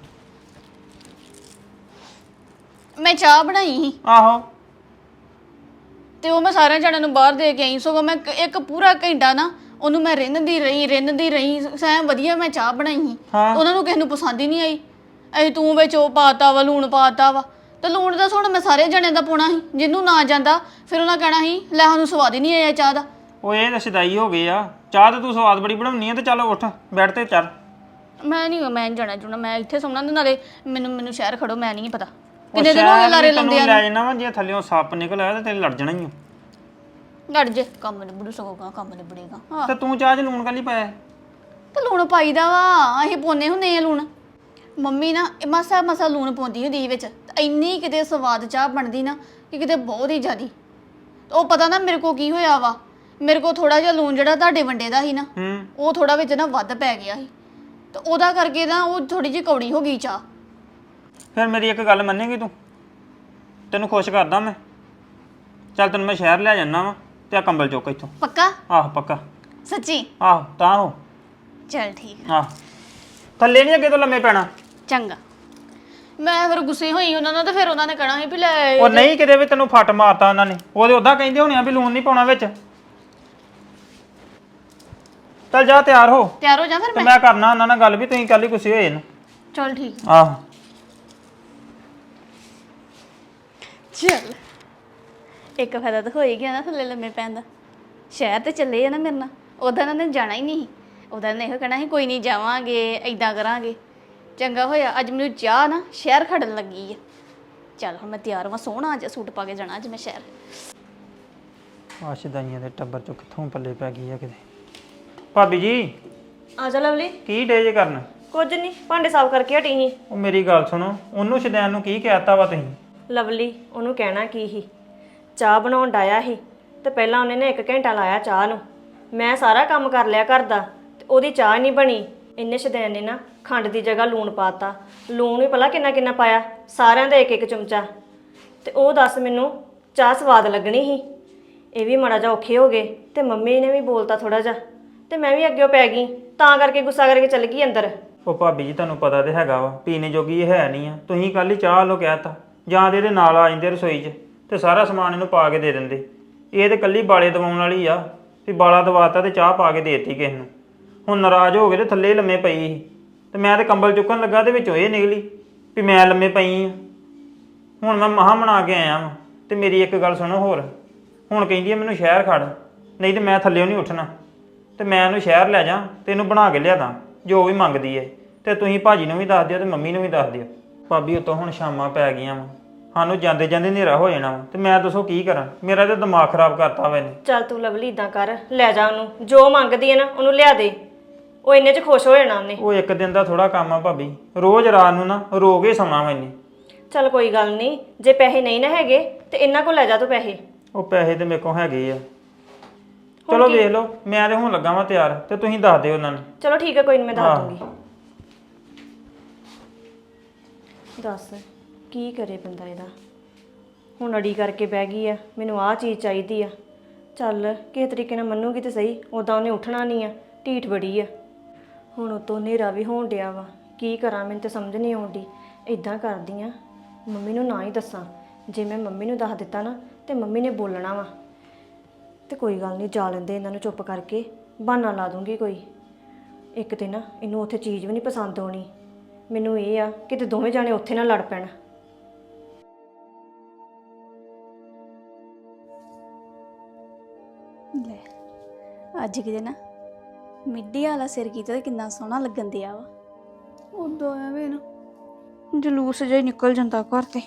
Speaker 2: ਮੈਂ ਚਾਹ ਬਣਾਈ ਸੀ
Speaker 1: ਆਹੋ
Speaker 2: ਤੇ ਉਹ ਮੈਂ ਸਾਰਿਆਂ ਜਣਿਆਂ ਨੂੰ ਬਾਹਰ ਦੇ ਕੇ ਆਈ। ਸਗੋਂ ਮੈਂ ਇੱਕ ਪੂਰਾ ਘੰਟਾ ਨਾ ਉਹਨੂੰ ਮੈਂ ਰਿੰਨਦੀ ਰਹੀ ਸੈਂ ਵਧੀਆ ਮੈਂ ਚਾਹ ਬਣਾਈ ਸੀ।
Speaker 1: ਹਾਂ।
Speaker 2: ਉਹਨਾਂ ਨੂੰ ਕਿਸੇ ਨੂੰ ਪਸੰਦ ਹੀ ਨਹੀਂ ਆਈ। ਐ ਤੂੰ ਵਿੱਚ ਉਹ ਪਾਤਾ ਵਾ, ਲੂਣ ਪਾਤਾ ਵਾ। ਤੇ ਲੂਣ ਦਾ ਹੁਣ ਮੈਂ ਸਾਰੇ ਜਣਿਆਂ ਦਾ ਪਾਉਣਾ ਸੀ। ਜਿਹਨੂੰ ਨਾ ਜਾਂਦਾ ਫਿਰ ਉਹਨਾਂ ਕਹਿਣਾ ਸੀ ਲੈ ਸਾਨੂੰ ਸਵਾਦ ਹੀ ਨਹੀਂ ਆਇਆ ਚਾਹ ਦਾ।
Speaker 1: ਉਹ ਇਹ ਤਾਂ ਸ਼ਦਾਈ ਹੋ ਗਏ ਆ। ਚਾਹ ਤੇ ਤੂੰ ਸਵਾਦ ਬੜੀ ਬਣਾਉਣੀ ਆ। ਤੇ ਚੱਲ ਉੱਠ ਬੈੱਡ ਤੇ ਚੱਲ।
Speaker 2: ਮੈਂ ਨਹੀਂ ਜਾਣਾ ਜੁਣਾ, ਮੈਂ ਇੱਥੇ ਸੌਣਾ। ਤੇ ਨਾਲੇ ਮੈਨੂੰ ਸ਼ਹਿਰ ਖੜੋ, ਮੈਂ ਨਹੀਂ ਪਤਾ ਕਿੰਨੇ ਦਿਨ ਹੋ ਗਏ ਲਾਰੇ ਲਾਉਂਦੇ ਆ।
Speaker 1: ਲੈ ਜਾਣਾ ਵਾ, ਜੇ ਥੱਲੇੋਂ ਸੱਪ ਨਿਕਲ ਆਇਆ ਤੇ ਤੇਰੇ ਲੜ ਜਾਣਾ ਹੀ ਆ।
Speaker 2: ਲੜ ਜੇ ਕੰਮ ਨਿਬੜੂ ਸਕੋਗਾ, ਕੰਮ ਨਿਬੜੇਗਾ। ਹਾਂ
Speaker 1: ਤੇ ਤੂੰ ਚਾਹ 'ਚ ਲੂਣ ਕਾਲੀ ਪਾਇਆ?
Speaker 2: ਤੇ ਲੂਣ ਪਾਈਦਾ ਵਾ, ਅਸੀਂ ਪਾਉਂਦੇ ਹੁੰਦੇ ਆ ਲੂਣ। ਮੰਮੀ ਨਾ ਮਸਾ ਲੂਣ ਪਾਉਂਦੀ ਹੁੰਦੀ ਵਿੱਚ। ਤੇ ਇੰਨੀ ਕਿਤੇ ਸਵਾਦ ਚਾਹ ਬਣਦੀ ਨਾ ਕਿ ਕਿਤੇ ਬਹੁਤ ਹੀ ਜ਼ਿਆਦੀ। ਉਹ ਪਤਾ ਨਾ ਮੇਰੇ ਕੋ ਕੀ ਹੋਇਆ ਵਾ, ਮੇਰੇ ਕੋ ਥੋੜਾ ਜਿਹਾ ਲੂਣ ਜਿਹੜਾ ਤੁਹਾਡੇ ਵੰਡੇ ਦਾ ਸੀ ਨਾ, ਉਹ ਥੋੜਾ ਵਿੱਚ ਨਾ ਵੱਧ ਪੈ ਗਿਆ ਸੀ। ਤੇ ਉਹਦਾ ਕਰਕੇ ਨਾ ਉਹ ਥੋੜੀ ਜਿਹੀ ਕੌੜੀ ਹੋ ਗਈ ਚਾਹ।
Speaker 1: ਫਿਰ ਮੇਰੀ ਇੱਕ ਗੱਲ ਮੰਨੇਗੀ ਤੂੰ? ਤੈਨੂੰ ਖੁਸ਼ ਕਰਦਾ ਮੈਂ। ਚੱਲ ਤੈਨੂੰ ਮੈਂ ਸ਼ਹਿਰ ਲੈ ਜਾਣਾ ਵਾ ਤੇ ਆ ਕੰਬਲ ਚੁੱਕ ਇੱਥੋਂ।
Speaker 2: ਪੱਕਾ?
Speaker 1: ਆਹ ਪੱਕਾ।
Speaker 2: ਸੱਚੀ?
Speaker 1: ਆਹ ਤਾਂ ਹੋ।
Speaker 2: ਚਲ ਠੀਕ।
Speaker 1: ਆਹ ਥੱਲੇ ਨਹੀਂ ਅੱਗੇ ਤੋਂ ਲੰਮੇ ਪੈਣਾ।
Speaker 2: ਚੰਗਾ। ਮੈਂ ਫਿਰ ਗੁੱਸੇ ਹੋਈ ਉਹਨਾਂ ਨਾਲ ਤੇ ਫਿਰ ਉਹਨਾਂ ਨੇ ਕਹਿਣਾ ਸੀ ਵੀ ਲੈ
Speaker 1: ਉਹ ਨਹੀਂ ਕਿਤੇ ਵੀ ਤੈਨੂੰ ਫੱਟ ਮਾਰਤਾ ਉਹਨਾਂ ਨੇ। ਉਹਦੇ ਉਦਾਂ ਕਹਿੰਦੇ ਹੋਣੇ ਆ ਵੀ ਲੂਣ ਨਹੀਂ ਪਾਉਣਾ ਵਿੱਚ। ਚੱਲ ਜਾ ਤਿਆਰ ਹੋ।
Speaker 2: ਤਿਆਰ ਹੋ ਜਾ ਫਿਰ
Speaker 1: ਤੇ
Speaker 2: ਮੈਂ।
Speaker 1: ਮੈਂ ਕਰਨਾ ਉਹਨਾਂ ਨਾਲ ਗੱਲ ਵੀ ਤੁਸੀਂ ਕੱਲ ਹੀ ਗੁੱਸੇ ਹੋਏ ਨੇ।
Speaker 2: ਚਲ ਠੀਕ।
Speaker 1: ਆਹੋ
Speaker 2: ਚਲ ਇੱਕ ਫਾਇਦਾ ਤਾਂ ਹੋ ਹੀ ਗਿਆ ਨਾ ਥੱਲੇ ਲੰਮੇ ਪੈਣ ਦਾ। ਸ਼ਹਿਰ ਤੇ ਚੱਲੇ ਆ ਨਾ ਮੇਰੇ ਨਾਲ। ਉਦੋਂ ਇਹਨਾਂ ਨੇ ਜਾਣਾ ਹੀ ਨਹੀਂ। ਉਦੋਂ ਨੇ ਇਹੋ ਕਹਿਣਾ ਸੀ ਕੋਈ ਨਹੀਂ ਜਾਵਾਂਗੇ, ਏਦਾਂ ਕਰਾਂਗੇ। ਚੰਗਾ ਹੋਇਆ ਅੱਜ ਮੈਨੂੰ ਚਾਹ ਨਾ ਸ਼ਹਿਰ ਖੜਨ ਲੱਗੀ ਆ। ਚੱਲ ਹੁਣ ਮੈਂ ਤਿਆਰ ਹਾਂ, ਸੋਹਣਾ ਜਿਹਾ ਸੂਟ ਪਾ ਕੇ ਜਾਣਾ ਅੱਜ ਮੈਂ ਸ਼ਹਿਰ।
Speaker 1: ਆਸ਼ਦਾਈਆਂ ਦੇ ਟੱਬਰ ਚੋਂ ਕਿੱਥੋਂ ਪੱਲੇ ਪੈ ਗਈ ਆ ਕਿਤੇ। ਭਾਬੀ ਜੀ
Speaker 5: ਆ ਜਾ ਲਵਲੀ।
Speaker 1: ਕੀ ਡੇ ਜੇ ਕਰਨ?
Speaker 5: ਕੁਝ ਨਹੀਂ, ਭਾਂਡੇ ਸਾਫ਼ ਕਰਕੇ ਹਟੀ ਸੀ।
Speaker 1: ਉਹ ਮੇਰੀ ਗੱਲ ਸੁਣੋ, ਉਹਨੂੰ ਸ਼ਦੈਨ ਨੂੰ ਕੀ ਕਹਿਤਾ ਵਾ ਤੁਸੀਂ?
Speaker 5: ਲਵਲੀ ਉਹਨੂੰ ਕਹਿਣਾ ਕੀ ਸੀ, ਚਾਹ ਬਣਾਉਣ ਡਾਇਆ ਸੀ ਤੇ ਪਹਿਲਾਂ ਉਹਨੇ ਨਾ 1 ਘੰਟਾ ਲਾਇਆ ਚਾਹ ਨੂੰ। ਮੈਂ ਸਾਰਾ ਕੰਮ ਕਰ ਲਿਆ ਘਰ ਦਾ ਤੇ ਉਹਦੀ ਚਾਹ ਨਹੀਂ ਬਣੀ। ਇੰਨੇ ਸ਼ਦੈਨ ਨੇ ਨਾ ਖੰਡ ਦੀ ਜਗ੍ਹਾ ਲੂਣ ਪਾਤਾ। ਲੂਣ ਵੀ ਭਲਾ ਕਿੰਨਾ ਕਿੰਨਾ ਪਾਇਆ, ਸਾਰਿਆਂ ਦਾ 1-1 ਚਮਚਾ। ਤੇ ਉਹ ਦੱਸ ਮੈਨੂੰ ਚਾਹ ਸਵਾਦ ਲੱਗਣੀ ਸੀ। ਇਹ ਵੀ ਮਾੜਾ ਜਿਹਾ ਔਖੇ ਹੋ ਗਏ ਤੇ ਮੰਮੀ ਨੇ ਵੀ ਬੋਲਤਾ ਥੋੜਾ ਜਿਹਾ ਤੇ ਮੈਂ ਵੀ ਅੱਗੇ ਪੈ ਗਈ, ਤਾਂ ਕਰਕੇ ਗੁੱਸਾ ਕਰਕੇ ਚੱਲ ਗਈ ਅੰਦਰ।
Speaker 1: ਉਹ ਭਾਬੀ ਜੀ ਤੁਹਾਨੂੰ ਪਤਾ ਤੇ ਹੈਗਾ ਵਾ ਪੀਣੇ ਜੋਗੀ ਇਹ ਹੈ ਨਹੀਂ ਆ। ਤੁਸੀਂ ਕੱਲ ਹੀ ਚਾਹ ਲੋ ਕਹਿਤਾ, ਜਾਂ ਤੇ ਇਹਦੇ ਨਾਲ ਆ ਜਾਂਦੇ ਰਸੋਈ 'ਚ ਤੇ ਸਾਰਾ ਸਮਾਨ ਇਹਨੂੰ ਪਾ ਕੇ ਦੇ ਦਿੰਦੇ। ਇਹ ਤੇ ਕੱਲੀ ਬਾਲੇ ਦਵਾਉਣ ਵਾਲੀ ਆ ਵੀ ਬਾਲਾ ਦਵਾਤਾ ਤੇ ਚਾਹ ਪਾ ਕੇ ਦੇਤੀ ਕਿਸੇ ਨੂੰ। ਹੁਣ ਨਾਰਾਜ਼ ਹੋ ਗਏ ਤੇ ਥੱਲੇ ਲੰਮੇ ਪਈ ਸੀ ਤੇ ਮੈਂ ਤੇ ਕੰਬਲ ਚੁੱਕਣ ਲੱਗਾ ਤੇ ਵਿੱਚੋਂ ਇਹ ਨਿਕਲੀ ਵੀ ਮੈਂ ਲੰਮੇ ਪਈ ਆ। ਹੁਣ ਮੈਂ ਮਹਾਂ ਬਣਾ ਕੇ ਆਇਆ ਵਾਂ ਤੇ ਮੇਰੀ ਇੱਕ ਗੱਲ ਸੁਣੋ ਹੋਰ, ਹੁਣ ਕਹਿੰਦੀ ਆ ਮੈਨੂੰ ਸ਼ਹਿਰ ਖੜ, ਨਹੀਂ ਤੇ ਮੈਂ ਥੱਲਿਓਂ ਨਹੀਂ ਉੱਠਣਾ ਤੇ ਮੈਂ ਇਹਨੂੰ ਸ਼ਹਿਰ ਲੈ ਜਾ ਤੇ ਇਹਨੂੰ ਬਣਾ ਕੇ ਲਿਆਦਾ ਜੋ ਵੀ ਮੰਗਦੀ ਏ। ਤੇ ਤੁਸੀਂ ਭਾਜੀ ਨੂੰ ਵੀ ਦੱਸ ਦਿਓ ਤੇ ਮੰਮੀ ਨੂੰ ਵੀ ਦੱਸ ਦਿਓ। ਭਾਬੀ ਉਤੋਂ ਹੁਣ ਸ਼ਾਮਾਂ ਪੈ ਗਈਆਂ ਵਾ, ਸਾਨੂੰ ਜਾਂਦੇ ਜਾਂਦੇ ਹਨੇਰਾ ਹੋ ਜਾਣਾ ਵਾ ਤੇ ਮੈਂ ਦੱਸੋ ਕੀ ਕਰਾਂ? ਮੇਰਾ ਤੇ ਦਿਮਾਗ ਖਰਾਬ ਕਰਤਾ ਵਾ ਇਹਨੇ।
Speaker 5: ਚੱਲ ਤੂੰ ਲਵਲੀ ਇਦਾਂ ਕਰ, ਲੈ ਜਾ ਉਹਨੂੰ, ਜੋ ਮੰਗਦੀ ਹੈ ਨਾ ਉਹਨੂੰ ਲਿਆ ਦੇ, ਉਹ ਇੰਨੇ 'ਚ ਖੁਸ਼ ਹੋ ਜਾਣਾ ਉਹਨੇ।
Speaker 1: ਉਹ ਇੱਕ ਦਿਨ ਦਾ ਥੋੜਾ ਕੰਮ ਆ ਭਾਬੀ, ਰੋਜ਼ ਰਾਤ ਨੂੰ ਨਾ ਰੋ ਕੇ ਸੌਣਾ ਵਾ ਇਹਨੇ।
Speaker 5: ਚੱਲ ਕੋਈ ਗੱਲ ਨਹੀਂ, ਜੇ ਪੈਸੇ ਨਹੀਂ ਨਾ ਹੈਗੇ ਤੇ ਇਹਨਾਂ ਕੋਲ ਲੈ ਜਾ ਤੂੰ ਪੈਸੇ।
Speaker 1: ਉਹ ਪੈਸੇ ਤੇ ਮੇਰੇ ਕੋਲ ਹੈਗੇ ਆ, ਚਲੋ ਵੇਖ ਲਓ। ਮੈਂ ਤੇ ਹੁਣ ਲੱਗਾ ਵਾਂ ਤਿਆਰ ਤੇ ਤੁਸੀਂ ਦੱਸ ਦਿਓ ਉਹਨਾਂ ਨੂੰ।
Speaker 5: ਚਲੋ ਠੀਕ ਹੈ, ਕੋਈ ਨਹੀਂ, ਮੈਂ ਦੱਸ ਦੂੰਗੀ। ਦੱਸ ਕੀ ਕਰੇ ਬੰਦਾ ਇਹਦਾ। ਹੁਣ ਅੜੀ ਕਰਕੇ ਬਹਿ ਗਈ ਆ, ਮੈਨੂੰ ਆਹ ਚੀਜ਼ ਚਾਹੀਦੀ ਆ। ਚੱਲ ਕਿਸੇ ਤਰੀਕੇ ਨਾਲ ਮੰਨੂਗੀ ਤੇ ਸਹੀ, ਉਦਾਂ ਉਹਨੇ ਉੱਠਣਾ ਨਹੀਂ ਆ, ਢੀਠ ਬੜੀ ਆ। ਹੁਣ ਉਤੋਂ ਹਨੇਰਾ ਵੀ ਹੋਣ ਡਿਆ ਵਾ, ਕੀ ਕਰਾਂ ਮੈਨੂੰ ਤੇ ਸਮਝ ਨਹੀਂ ਆਉਂਦੀ। ਇਦਾਂ ਕਰਦੀ ਆ, ਮੰਮੀ ਨੂੰ ਨਾ ਹੀ ਦੱਸਾਂ। ਜੇ ਮੈਂ ਮੰਮੀ ਨੂੰ ਦੱਸ ਦਿੱਤਾ ਨਾ ਤੇ ਮੰਮੀ ਨੇ ਬੋਲਣਾ ਵਾ। ਤੇ ਕੋਈ ਗੱਲ ਨਹੀਂ, ਜਾ ਲੈਂਦੇ ਇਹਨਾਂ ਨੂੰ ਚੁੱਪ ਕਰਕੇ, ਬਹਾਨਾ ਲਾ ਦੂੰਗੀ ਕੋਈ। ਇੱਕ ਤੇ ਨਾ ਇਹਨੂੰ ਉੱਥੇ ਚੀਜ਼ ਵੀ ਨਹੀਂ ਪਸੰਦ ਆਉਣੀ। ਮੈਨੂੰ ਇਹ ਆ ਕਿ ਤੇ ਦੋਵੇਂ ਜਾਣੇ ਉੱਥੇ ਨਾ ਲੜ ਪੈਣ।
Speaker 6: ਲੈ ਅੱਜ ਕਿਤੇ ਨਾ ਮਿੱਡੀ ਵਾਲਾ ਸਿਰ ਕੀਤਾ ਤੇ ਕਿੰਨਾ ਸੋਹਣਾ ਲੱਗਣ ਦਿਆ ਵਾ। ਉਦੋਂ ਐਵੇਂ ਨਾ ਜਲੂਸ ਜਿਹਾ ਹੀ ਨਿਕਲ ਜਾਂਦਾ ਘਰ ਤੇ।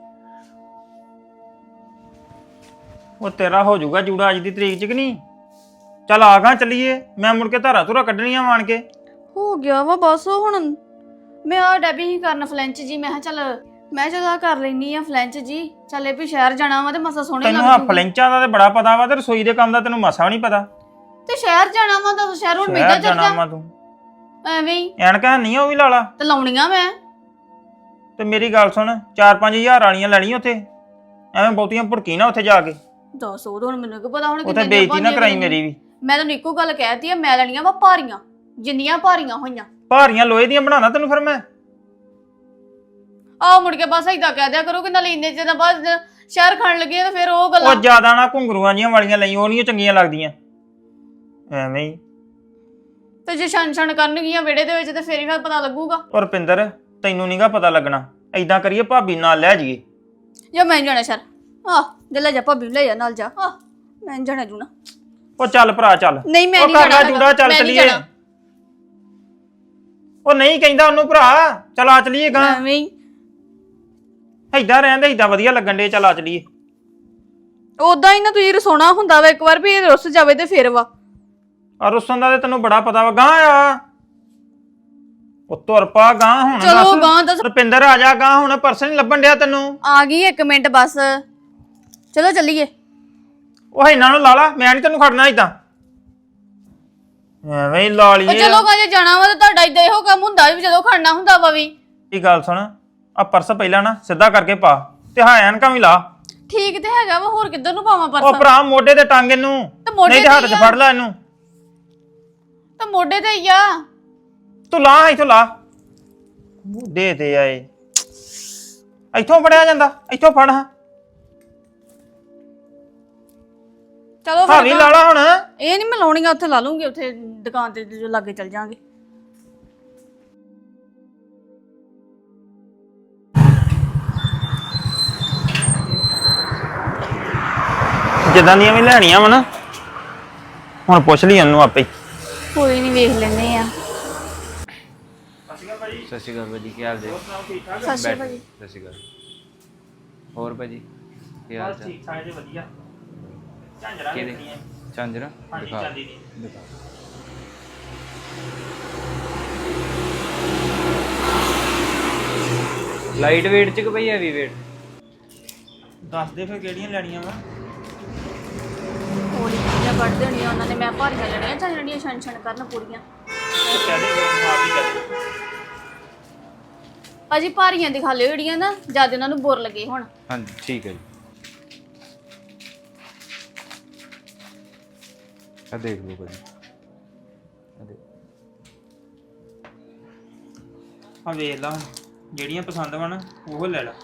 Speaker 1: ਉਹ ਤੇਰਾ ਹੋ ਜਾਊਗਾ ਜੂੜਾ ਅੱਜ ਦੀ ਤਰੀਕ 'ਚ ਕਿ ਨਹੀਂ? ਚੱਲ ਆ ਗਾ ਚੱਲੀਏ, ਮੈਂ ਮੁੜ ਕੇ ਧਾਰਾ ਧੁਰਾ ਕੱਢਣੀਆਂ ਆਣ ਕੇ।
Speaker 6: ਹੋ ਗਿਆ ਵਾ ਬਸ। ਹੁਣ ਮੈਂ ਆ ਡੈਬੀ ਹੀ ਕਰਨ ਫਲੈਂਚ ਜੀ, ਮੈਂ ਕਿਹਾ ਚੱਲ ਮੈਂ ਜਦਾ ਕਰ ਲੈਣੀ ਆ ਫਲੈਂਚ ਜੀ। ਚੱਲੇ ਵੀ ਸ਼ਹਿਰ ਜਾਣਾ ਵਾ ਤੇ ਮਸਾ ਸੋਹਣੇ
Speaker 1: ਤੈਨੂੰ ਆ ਫਲੈਂਚਾਂ ਦਾ ਤੇ ਬੜਾ ਪਤਾ ਵਾ ਤੇ ਰਸੋਈ ਦੇ ਕੰਮ ਦਾ ਤੈਨੂੰ ਮਸਾ ਵੀ ਨਹੀਂ ਪਤਾ।
Speaker 6: ਤੇ ਸ਼ਹਿਰ ਜਾਣਾ ਵਾ ਤਾਂ ਸ਼ਹਿਰ ਹੁਣ ਮਿਲਦਾ
Speaker 1: ਸ਼ਹਿਰ ਜਾਣਾ ਵਾ
Speaker 6: ਚੱਲਦਾ
Speaker 1: ਤੂੰ,
Speaker 6: ਐਵੇਂ ਹੀ
Speaker 1: ਐਨਕਾਂ ਨਹੀਂ ਉਹ ਵੀ ਲਾ ਲਾ।
Speaker 6: ਤੇ ਲਾਉਣੀਆਂ ਮੈਂ।
Speaker 1: ਤੇ ਮੇਰੀ ਗੱਲ ਸੁਣ, 4-5 ਹਜ਼ਾਰ ਵਾਲੀਆਂ ਲੈਣੀਆਂ ਉੱਥੇ, ਐਵੇਂ ਬਹੁਤੀਆਂ ਭੁੜਕੀ ਨਾ ਉੱਥੇ ਜਾ ਕੇ।
Speaker 6: ਦੱਸ ਉਹ ਹੁਣ ਮੈਨੂੰ ਕੀ ਪਤਾ ਹੁਣ
Speaker 1: ਉੱਥੇ ਬੇਇੱਜ਼ਤੀ ਨਾ ਕਰਾਈ ਮੇਰੀ ਵੀ।
Speaker 6: ਮੈਂ ਤਾਂ ਇੱਕੋ ਗੱਲ ਕਹਿਤੀ ਆ, ਮੈਂ ਲੈਣੀਆਂ ਵਾ ਭਾਰੀਆਂ, ਜਿੰਨੀਆਂ ਭਾਰੀਆਂ ਹੋਈਆਂ।
Speaker 1: ਭਾਰੀਆਂ ਲੋਹੇ ਦੀਆਂ ਬਣਾਣਾ ਤੈਨੂੰ ਫਿਰ ਮੈਂ।
Speaker 6: ਆਹ ਮੁੜ ਕੇ ਬਸ ਏਦਾਂ ਕਹਿ ਦਿਆ ਕਰੋ ਕਿ ਨਾਲੇ ਇੰਨੇ ਜਿਹਨਾਂ ਬਾਅਦ ਸ਼ਹਿਰ ਖਾਣ ਲੱਗੇ ਤੇ ਫਿਰ ਉਹ
Speaker 1: ਉਹ
Speaker 6: ਗੱਲਾਂ।
Speaker 1: ਜ਼ਿਆਦਾ ਨਾ ਘੁੰਗਰੂਆਂ ਜੀਆਂ ਵਾਲੀਆਂ ਲਈ, ਉਹ ਨਹੀਂ ਚੰਗੀਆਂ ਲੱਗਦੀਆਂ ਐਵੇਂ ਹੀ।
Speaker 6: ਤੇ ਜੇ ਛਣ ਕਰਨਗੀਆਂ ਵਿਹੜੇ ਦੇ ਵਿੱਚ ਤੇ ਫੇਰ ਹੀ ਫਿਰ ਪਤਾ ਲੱਗੂਗਾ।
Speaker 1: ਔਰ ਰੁਪਿੰਦਰ ਤੈਨੂੰ ਨਹੀਂਗਾ ਪਤਾ ਲੱਗਣਾ। ਏਦਾਂ ਕਰੀਏ ਭਾਬੀ ਨਾਲ ਲੈ ਜਾਈਏ।
Speaker 6: ਜਾਂ ਮੈਂ ਨੀ ਜਾਣਾ ਸ਼ਹਿਰ। ਜੇ ਲੈ ਜਾ ਭਾਬੀ ਨੂੰ ਲੈ ਜਾ ਨਾਲ ਜਾ। ਮੈਂ ਨੀ ਜਾਣਾ ਜੂਣਾ।
Speaker 1: ਉਹ ਚੱਲ ਭਰਾ ਚੱਲ।
Speaker 6: ਨਹੀਂ ਮੈਂ
Speaker 1: ਉਹ
Speaker 6: ਨਹੀਂ
Speaker 1: ਕਰਨਾ
Speaker 6: ਜਾਣਾ
Speaker 1: ਜੂੜਾ, ਚੱਲ
Speaker 6: ਮੈਂ ਨੀ
Speaker 1: ਚੱਲੀਏ।
Speaker 6: ਜਾਣਾ।
Speaker 1: ਉਹ ਨਹੀਂ ਕਹਿੰਦਾ ਉਹਨੂੰ ਭਰਾ, ਚੱਲ ਆ ਚਲੀਏ ਗਾਂ।
Speaker 6: ਐਵੇਂ ਹੀ
Speaker 1: ਏਦਾਂ ਰਹਿੰਦੇ ਏਦਾਂ ਵਧੀਆ ਲੱਗਣ ਦੇ, ਚੱਲ ਆ ਚਲੀਏ।
Speaker 6: ਉਦਾਂ ਹੀ ਨਾ ਤੁਸੀਂ ਰਸੋਣਾ ਹੁੰਦਾ ਵਾ ਇੱਕ ਵਾਰ ਵੀ ਇਹ ਰੁੱਸ ਜਾਵੇ ਤੇ ਫਿਰ ਵਾ।
Speaker 1: ਆ ਰੁੱਸਣ ਦਾ ਤੇ ਤੈਨੂੰ ਬੜਾ ਪਤਾ ਵਾ। ਗਾਂ ਆ ਉਹ ਤੁਰ ਪਾ ਗਾਂ ਹੁਣ।
Speaker 6: ਚਲੋ ਗਾਂ ਦੱਸ।
Speaker 1: ਰੁਪਿੰਦਰ ਆ ਜਾ ਗਾਂ ਹੁਣ, ਪਰਸ ਨਹੀਂ ਲੱਭਣ ਡਿਆ ਤੈਨੂੰ।
Speaker 6: ਆ ਗਈ 1 ਮਿੰਟ ਬਸ। ਚਲੋ ਚੱਲੀਏ।
Speaker 1: ਉਹ ਇਹਨਾਂ ਨੂੰ ਲਾ ਲਾ, ਮੈਂ ਨਹੀਂ ਤੈਨੂੰ ਖੜਨਾ ਏਦਾਂ ਐਵੇਂ ਹੀ ਲਾ ਲਈਏ।
Speaker 6: ਚਲੋ ਗਾ ਜੇ ਜਾਣਾ ਵਾ ਤਾਂ ਤੁਹਾਡਾ ਏਦਾਂ ਇਹੋ ਕੰਮ ਹੁੰਦਾ ਵੀ ਜਦੋਂ ਖੜਨਾ ਹੁੰਦਾ ਵਾ ਵੀ।
Speaker 1: ਇਹ ਗੱਲ ਸੁਣ, ਆ ਪਰਸ ਪਹਿਲਾਂ ਨਾ ਸਿੱਧਾ ਕਰਕੇ ਪਾ ਤੇ ਹਾਂ ਐਨਕਾਂ ਵੀ ਲਾ।
Speaker 6: ਠੀਕ ਤੇ ਹੈਗਾ ਵਾ, ਹੋਰ ਕਿੱਧਰ ਨੂੰ ਪਾਵਾਂ
Speaker 1: ਉਹ
Speaker 6: ਪਰਸ?
Speaker 1: ਭਰਾ ਮੋਢੇ ਤੇ ਟੰਗ ਇਹਨੂੰ,
Speaker 6: ਤੇ ਮੋਢੇ
Speaker 1: ਨਹੀਂ ਤੇ ਹੱਥ
Speaker 6: ਤੇ
Speaker 1: 'ਚ
Speaker 6: ਹੀ ਆ।
Speaker 1: ਫੜ ਲੈ ਇਹਨੂੰ।
Speaker 6: ਤਾਂ ਮੋਢੇ ਤੇ ਹੀ ਆ।
Speaker 1: ਤੂੰ ਲਾ ਇੱਥੋਂ ਲਾ, ਮੋਢੇ ਤੇ ਆਏ। ਇੱਥੋਂ ਫੜਿਆ ਜਾਂਦਾ, ਇੱਥੋਂ ਫੜ। ਹਾਂ
Speaker 6: ਚਲੋ
Speaker 1: ਹਾਂ ਵੀ ਲਾ ਲਾ ਹੁਣ।
Speaker 6: ਇਹ ਨਹੀਂ ਮੈਂ ਲਾਉਣੀਆਂ, ਉੱਥੇ ਲਾ ਲੂੰਗੀ, ਉੱਥੇ ਦੁਕਾਨ ਤੇ ਜੋ ਲਾਗੇ ਚੱਲ ਜਾਾਂਗੇ।
Speaker 1: ਜਿੱਦਾਂ ਦੀਆਂ ਵੀ ਲੈਣੀਆਂ ਵਾ ਨਾ, ਹੁਣ ਪੁੱਛ ਲਈ ਉਹਨੂੰ ਆਪੇ।
Speaker 6: ਕੋਈ ਨਹੀਂ, ਵੇਖ ਲੈਨੇ ਆ।
Speaker 7: ਸਤਿ ਸ਼੍ਰੀ ਅਕਾਲ ਭਾਜੀ, ਕੀ ਹਾਲ ਜੀ?
Speaker 6: ਸਤਿ ਸ਼੍ਰੀ ਅਕਾਲ ਜੀ।
Speaker 7: ਸਤਿ ਸ਼੍ਰੀ ਅਕਾਲ। ਹੋਰ ਭਾਜੀ ਕੀ ਹਾਲ ਚਾਲ?
Speaker 1: ਠੀਕ ਠਾਕ ਜੀ, ਵਧੀਆ। ਝਾਂਜਰਾਂ
Speaker 7: ਕਿਹੜੇ?
Speaker 1: ਵੇਖਣੀਆਂ।
Speaker 7: ਝਾਂਜਰਾਂ
Speaker 1: ਹਾਂਜੀ,
Speaker 7: ਦਿਖਾ
Speaker 1: ਚਾਂਦੀ ਦੀ।
Speaker 7: ਦਿਖਾ। ਲਾਈਟ weight ਚ ਕਿ ਭਈ ਹੈਵੀ weight?
Speaker 1: ਦੱਸ ਦੇ ਫਿਰ ਕਿਹੜੀਆਂ ਲੈਣੀਆਂ ਵਾ।
Speaker 2: ਹੌਲੀ ਚੀਜ਼ਾਂ ਕੱਢ ਦੇਣੀਆਂ ਉਹਨਾਂ ਨੇ, ਮੈਂ ਭਾਰੀਆਂ ਲੈਣੀਆਂ ਚੱਲ ਜਿਹੜੀਆਂ ਛਣ ਛਣ ਕਰਨ ਪੂਰੀਆਂ।
Speaker 1: ਕਹਦੇ ਆਪ ਹੀ ਕਹਦੇ।
Speaker 2: ਭਾਜੀ ਭਾਰੀਆਂ ਦਿਖਾ ਲਿਓ ਜਿਹੜੀਆਂ ਨਾ ਜਦ ਉਹਨਾਂ ਨੂੰ ਬੁਰ ਲੱਗੇ ਹੁਣ।
Speaker 7: ਹਾਂਜੀ ਠੀਕ ਹੈ ਜੀ। ਆ ਦੇਖ ਲਓ ਭਾਜੀ, ਆ ਦੇਖ।
Speaker 1: ਆ ਵੇਖ ਲਾ, ਜਿਹੜੀਆਂ ਪਸੰਦ ਵਾ ਨਾ ਉਹ ਲੈ ਲਾ।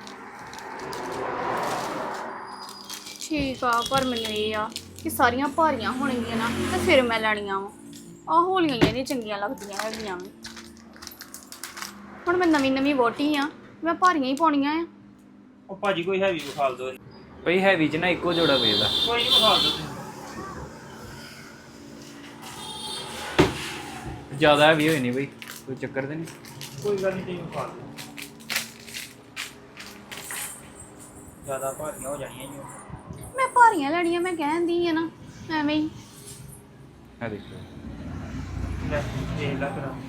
Speaker 2: ਠੀਕ ਆ, ਪਰ ਮੈਨੂੰ ਇਹ ਆ ਕਿ ਸਾਰੀਆਂ ਭਾਰੀਆਂ ਹੋਣਗੀਆਂ ਨਾ ਤੇ ਫਿਰ ਮੈਂ ਲੈਣੀਆਂ ਵਾ। ਆਹ ਹੌਲੀਆਂ ਹੀ ਨਹੀਂ ਚੰਗੀਆਂ ਲੱਗਦੀਆਂ ਹੈਗੀਆਂ ਵੀ। ਹੁਣ ਮੈਂ ਨਵੀਂ ਵੋਟੀ ਆ, ਮੈਂ ਭਾਰੀਆਂ ਹੀ ਪਾਉਣੀਆਂ ਆ।
Speaker 1: ਉਹ ਭਾਜੀ ਕੋਈ ਹੈਵੀ ਵਿਖਾਲ ਦੋ।
Speaker 7: ਭਈ ਹੈਵੀ ਚ ਨਾ ਇੱਕੋ ਜੋੜਾ ਵੇਚਦਾ।
Speaker 1: ਕੋਈ ਨਹੀਂ ਵਿਖਾਲ ਦੋ ਤੁਸੀਂ।
Speaker 7: ਜ਼ਿਆਦਾ ਹੈਵੀ ਹੋਈ ਨਹੀਂ ਬਈ, ਕੋਈ ਚੱਕਰ ਤੇ ਨਹੀਂ।
Speaker 1: ਕੋਈ ਗੱਲ ਨਹੀਂ, ਤੁਸੀਂ ਵਿਖਾਲ ਦੋ। ਜ਼ਿਆਦਾ ਭਾਰੀਆਂ ਹੋ ਜਾਣੀਆਂ ਜੀ।
Speaker 2: ਮੈਂ ਭਾਰੀਆਂ ਲੈਣੀਆਂ, ਮੈਂ ਕਹਿੰਦੀ ਆ ਨਾ ਐਵੇਂ ਹੀ।
Speaker 7: ਆ ਦੇਖ ਲਓ।
Speaker 1: ਲੈ ਵੇਖ ਲਾ ਕਰਾ।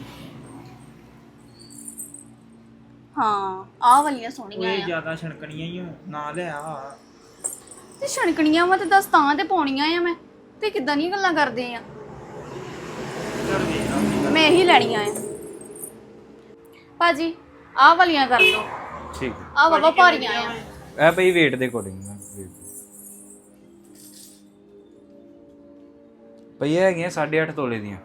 Speaker 2: ਹਾਂ ਆਹ ਵਾਲੀਆਂ ਸੋਹਣੀਆਂ
Speaker 1: ਕੋਈ
Speaker 2: ਆ।
Speaker 1: ਜ਼ਿਆਦਾ ਛਣਕਣੀਆਂ ਹੀ ਨਾ ਲੈ ਆ।
Speaker 2: ਤੇ ਛਣਕਣੀਆਂ ਵਾ ਤੇ ਦੱਸ ਤਾਂ ਤੇ ਪਾਉਣੀਆਂ ਆ ਮੈਂ। ਤੇ ਕਿੱਦਾਂ ਦੀਆਂ ਗੱਲਾਂ ਕਰਦੇ ਆ।
Speaker 1: ਚੱਲ ਵੇਖ ਲਾ।
Speaker 2: ਮੈਂ ਇਹੀ ਲੈਣੀਆਂ ਆ ਭਾਜੀ, ਆਹ ਵਾਲੀਆਂ ਕਰ ਲਓ।
Speaker 7: ਠੀਕ ਹੈ।
Speaker 2: ਆਹ ਬਾਬਾ ਭਾਰੀਆਂ ਆ।
Speaker 7: ਇਹ ਭਈ weight ਦੇ ਅਕੋਰਡਿੰਗ ਭਈ ਇਹ ਹੈਗੀਆਂ 8.5 ਤੋਲੇ ਦੀਆਂ।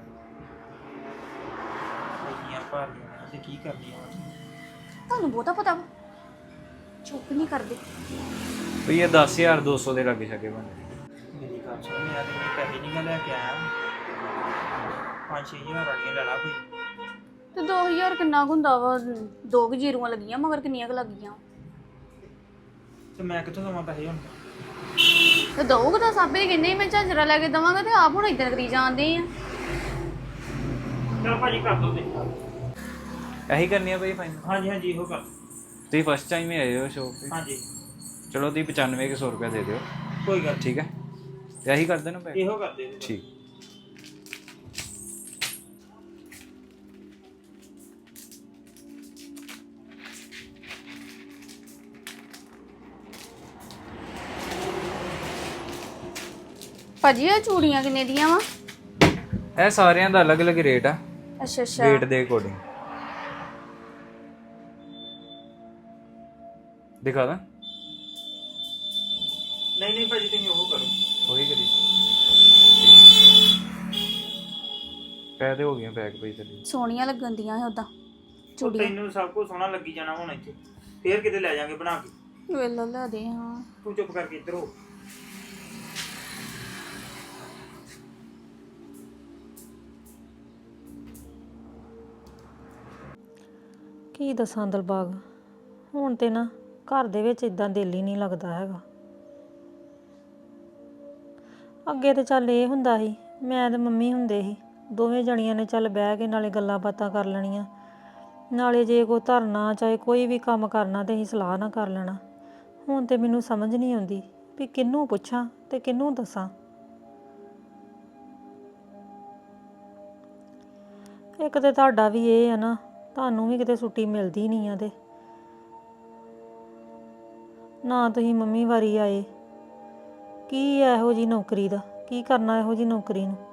Speaker 1: ਇੰਨੀਆਂ ਭਾਰੀਆਂ ਤੇ ਕੀ ਕਰਦੀਆਂ ਵਾ।
Speaker 2: ਤੁਹਾਨੂੰ ਬਹੁਤਾ ਪਤਾ ਵਾ, ਚੁੱਪ ਨਹੀਂ ਕਰਦੇ।
Speaker 7: ਭਈ ਇਹ 10,200 ਦੇ ਲਾਗੇ ਛਾਗੇ ਬਣ।
Speaker 1: ਮੇਰੀ ਗੱਲ ਸੁਣ, ਮੈਂ ਤੇ ਇੰਨੇ ਪੈਸੇ ਨਹੀਂ ਮੈਂ ਲੈ ਕੇ ਆਇਆ। 5-6 ਹਜ਼ਾਰ ਵਾਲੀਆਂ ਲੈ ਲਾ ਕੋਈ।
Speaker 2: ਤੇ 2000 ਕਿੰਨਾ ਕੁ ਹੁੰਦਾ ਵਾ? 2 ਜ਼ੀਰੋਆਂ ਲੱਗੀਆਂ ਮਗਰ ਕਿੰਨੀਆਂ ਕੁ ਲੱਗੀਆਂ?
Speaker 1: ਤੇ ਮੈਂ ਕਿੱਥੋਂ ਦੇਵਾਂ ਪੈਸੇ ਹੁਣ?
Speaker 2: ਤੇ ਦਊਗਾ ਤਾਂ ਸਾਬੇ ਕਹਿੰਦੇ ਸੀ ਮੈਂ ਝਾਂਜਰਾ ਲੈ ਕੇ ਦਵਾਂਗਾ, ਤੇ ਆਪ ਹੁਣ ਇਦਾਂ ਕਰੀ ਜਾਂਦੇ ਆ।
Speaker 1: ਚਲ ਭਾਜੀ ਕਰ ਦੋ ਤੇ।
Speaker 7: ਇਹੀ ਕਰਨੀ ਆ ਭਈ ਫਾਈਨਲ?
Speaker 1: ਹਾਂਜੀ ਹਾਂਜੀ ਇਹੋ ਕਰ।
Speaker 7: ਤੁਸੀਂ ਫਸਟ ਟਾਈਮ ਹੀ ਆਏ ਹੋ ਸ਼ੋਪ ਤੇ?
Speaker 1: ਹਾਂਜੀ
Speaker 7: ਚਲੋ ਤੁਸੀਂ 9500 ਰੁਪਏ ਦੇ ਦਿਓ।
Speaker 1: ਕੋਈ ਗੱਲ
Speaker 7: ਠੀਕ ਹੈ, ਤੇ ਇਹੀ ਕਰ ਦੇਣਾ ਪੈਕ?
Speaker 1: ਇਹੋ ਕਰ ਦੇ।
Speaker 7: ਠੀਕ।
Speaker 2: ਭਾਜੀ ਇਹ ਚੂੜੀਆਂ ਕਿੰਨੇ ਦੀਆਂ ਵਾ?
Speaker 7: ਇਹ ਸਾਰਿਆਂ ਦਾ ਅਲੱਗ-ਅਲੱਗ ਰੇਟ ਆ,
Speaker 2: ਅੱਛਾ ਅੱਛਾ।
Speaker 7: weight ਦੇ ਅਕੋਰਡਿੰਗ। ਦਿਖਾ ਦਾਂ?
Speaker 1: ਨਹੀਂ ਭਾਜੀ ਤੁਸੀਂ ਉਹ ਕਰੋ।
Speaker 7: ਉਹੀ ਕਰੀ। ਪੈਸੇ ਹੋ ਗਏ ਪੈਕ ਪਈ ਤੇ।
Speaker 2: ਸੋਹਣੀਆਂ ਲੱਗਣ ਦੀਆਂ ਹੈ ਉਦਾਂ
Speaker 1: ਉਹ
Speaker 2: ਚੂੜੀਆਂ।
Speaker 1: ਤੈਨੂੰ ਸਭ ਕੁਝ ਸੋਹਣਾ ਲੱਗੀ ਜਾਣਾ ਹੁਣ ਇੱਥੇ, ਫੇਰ ਕਿਤੇ ਲੈ ਜਾਾਂਗੇ ਬਣਾ ਕੇ।
Speaker 2: ਵੇਲਾ ਲੈ ਦੇ। ਹਾਂ
Speaker 1: ਤੂੰ ਚੁੱਪ ਕਰਕੇ ਇੱਧਰ ਹੋ।
Speaker 8: ਕੀ ਦੱਸਾਂ ਦਿਲਬਾਗ, ਹੁਣ ਤੇ ਨਾ ਘਰ ਦੇ ਵਿੱਚ ਇਦਾਂ ਦਿਲ ਹੀ ਨਹੀਂ ਲੱਗਦਾ ਹੈਗਾ। ਅੱਗੇ ਤੇ ਚੱਲ ਇਹ ਹੁੰਦਾ ਸੀ, ਮੈਂ ਤੇ ਮੰਮੀ ਹੁੰਦੇ ਸੀ, ਦੋਵੇਂ ਜਣੀਆਂ ਨੇ ਚੱਲ ਬਹਿ ਕੇ ਨਾਲੇ ਗੱਲਾਂ ਬਾਤਾਂ ਕਰ ਲੈਣੀਆਂ, ਨਾਲੇ ਜੇ ਕੋਈ ਧਰਨਾ ਚਾਹੇ ਕੋਈ ਵੀ ਕੰਮ ਕਰਨਾ ਤੇ ਅਸੀਂ ਸਲਾਹ ਨਾ ਕਰ ਲੈਣਾ। ਹੁਣ ਤੇ ਮੈਨੂੰ ਸਮਝ ਨਹੀਂ ਆਉਂਦੀ ਵੀ ਕਿਹਨੂੰ ਪੁੱਛਾਂ ਤੇ ਕਿਹਨੂੰ ਦੱਸਾਂ। ਇੱਕ ਤੇ ਤੁਹਾਡਾ ਵੀ ਇਹ ਆ ਨਾ, ਤੁਹਾਨੂੰ ਵੀ ਕਿਤੇ ਛੁੱਟੀ ਮਿਲਦੀ ਨਹੀਂ ਆ, ਤੇ ਨਾ ਤੁਸੀਂ ਮੰਮੀ ਵਾਰੀ ਆਏ। ਕੀ ਇਹੋ ਜੀ ਨੌਕਰੀ ਦਾ ਕੀ ਕਰਨਾ, ਇਹੋ ਜੀ ਨੌਕਰੀ ਨੂੰ।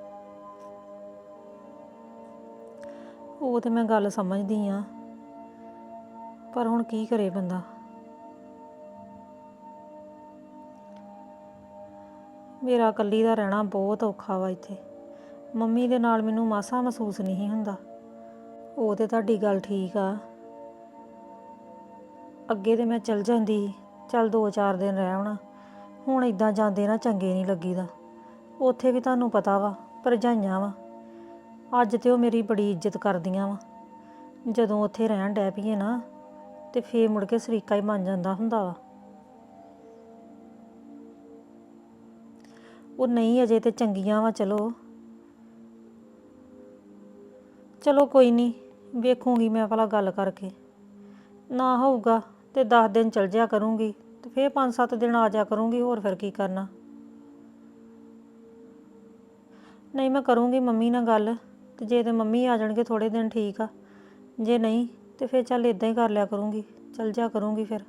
Speaker 8: ਉਹ ਤੇ ਮੈਂ ਗੱਲ ਸਮਝਦੀ ਆ, ਪਰ ਹੁਣ ਕੀ ਕਰੇ ਬੰਦਾ। ਮੇਰਾ ਇਕੱਲੀ ਦਾ ਰਹਿਣਾ ਬਹੁਤ ਔਖਾ ਵਾ ਇੱਥੇ। ਮੰਮੀ ਦੇ ਨਾਲ ਮੈਨੂੰ ਮਾਸਾ ਮਹਿਸੂਸ ਨਹੀਂ ਹੁੰਦਾ। ਉਹ ਤੇ ਤੁਹਾਡੀ ਗੱਲ ਠੀਕ ਆ, ਅੱਗੇ ਤੇ ਮੈਂ ਚਲ ਜਾਂਦੀ, ਚੱਲ 2-4 ਦਿਨ ਰਹਿ ਆਉਣਾ। ਹੁਣ ਇਦਾਂ ਜਾਂਦੇ ਨਾ ਚੰਗੇ ਨਹੀਂ ਲੱਗੀਦਾ। ਉੱਥੇ ਵੀ ਤੁਹਾਨੂੰ ਪਤਾ ਵਾ ਭਰਜਾਈਆਂ ਵਾ, ਅੱਜ ਤੇ ਉਹ ਮੇਰੀ ਬੜੀ ਇੱਜ਼ਤ ਕਰਦੀਆਂ ਵਾ। ਜਦੋਂ ਉੱਥੇ ਰਹਿਣ ਡੈ ਪਈਏ ਨਾ ਤੇ ਫੇਰ ਮੁੜ ਕੇ ਸਰੀਕਾ ਹੀ ਬਣ ਜਾਂਦਾ ਹੁੰਦਾ ਵਾ। ਉਹ ਨਹੀਂ ਅਜੇ ਤੇ ਚੰਗੀਆਂ ਵਾ। ਚਲੋ ਕੋਈ ਨਹੀਂ, ਵੇਖੂੰਗੀ ਮੈਂ ਭਲਾ ਗੱਲ ਕਰਕੇ। ਨਾ ਹੋਊਗਾ ਤੇ 10 ਦਿਨ ਚਲ ਜਿਆ ਕਰੂੰਗੀ ਤੇ ਫੇਰ 5-7 ਦਿਨ ਆ ਜਾ ਕਰੂੰਗੀ, ਹੋਰ ਫਿਰ ਕੀ ਕਰਨਾ। ਨਹੀਂ ਮੈਂ ਕਰੂੰਗੀ ਮੰਮੀ ਨਾਲ ਗੱਲ ਤੇ ਜੇ ਤੇ ਮੰਮੀ ਆ ਜਾਣਗੇ ਥੋੜੇ ਦਿਨ ਠੀਕ ਆ, ਜੇ ਨਹੀਂ ਤੇ ਫਿਰ ਚੱਲ ਇਦਾਂ ਹੀ ਕਰ ਲਿਆ ਕਰੂੰਗੀ, ਚੱਲ ਜਾ ਕਰੂੰਗੀ ਫਿਰ।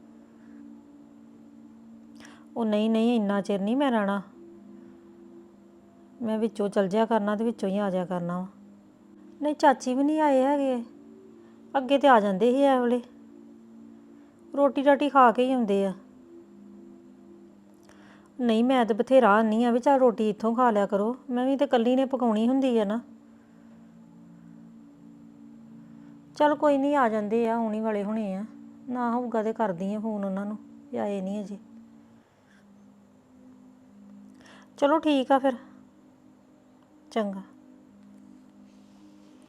Speaker 8: ਉਹ ਨਹੀਂ ਨਹੀਂ, ਇੰਨਾ ਚਿਰ ਨਹੀਂ ਮੈਂ ਰਹਿਣਾ, ਮੈਂ ਵਿੱਚੋਂ ਚੱਲ ਜਿਆ ਕਰਨਾ ਤੇ ਵਿੱਚੋਂ ਹੀ ਆ ਜਾਇਆ ਕਰਨਾ ਵਾ। ਨਹੀਂ ਚਾਚੀ ਵੀ ਨਹੀਂ ਆਏ ਹੈਗੇ, ਅੱਗੇ ਤੇ ਆ ਜਾਂਦੇ ਸੀ ਇਹ ਵੇਲੇ, ਰੋਟੀ ਰਾਟੀ ਖਾ ਕੇ ਹੀ ਆਉਂਦੇ ਆ। ਨਹੀਂ ਮੈਂ ਤਾਂ ਬਥੇਰਾ ਆਨੀ ਆ ਵੀ ਚੱਲ ਰੋਟੀ ਇੱਥੋਂ ਖਾ ਲਿਆ ਕਰੋ, ਮੈਂ ਵੀ ਤੇ ਇਕੱਲੀ ਨੇ ਪਕਾਉਣੀ ਹੁੰਦੀ ਆ ਨਾ। ਚੱਲ ਕੋਈ ਨਹੀਂ, ਆ ਜਾਂਦੇ ਆ, ਆਉਣ ਹੀ ਵਾਲੇ ਹੋਣੇ ਆ, ਨਾ ਹੋਊਗਾ ਤੇ ਕਰਦੀ ਆ ਫੋਨ ਉਹਨਾਂ ਨੂੰ ਵੀ ਆਏ ਨਹੀਂ ਅਜੇ। ਚਲੋ ਠੀਕ ਆ ਫਿਰ, ਚੰਗਾ।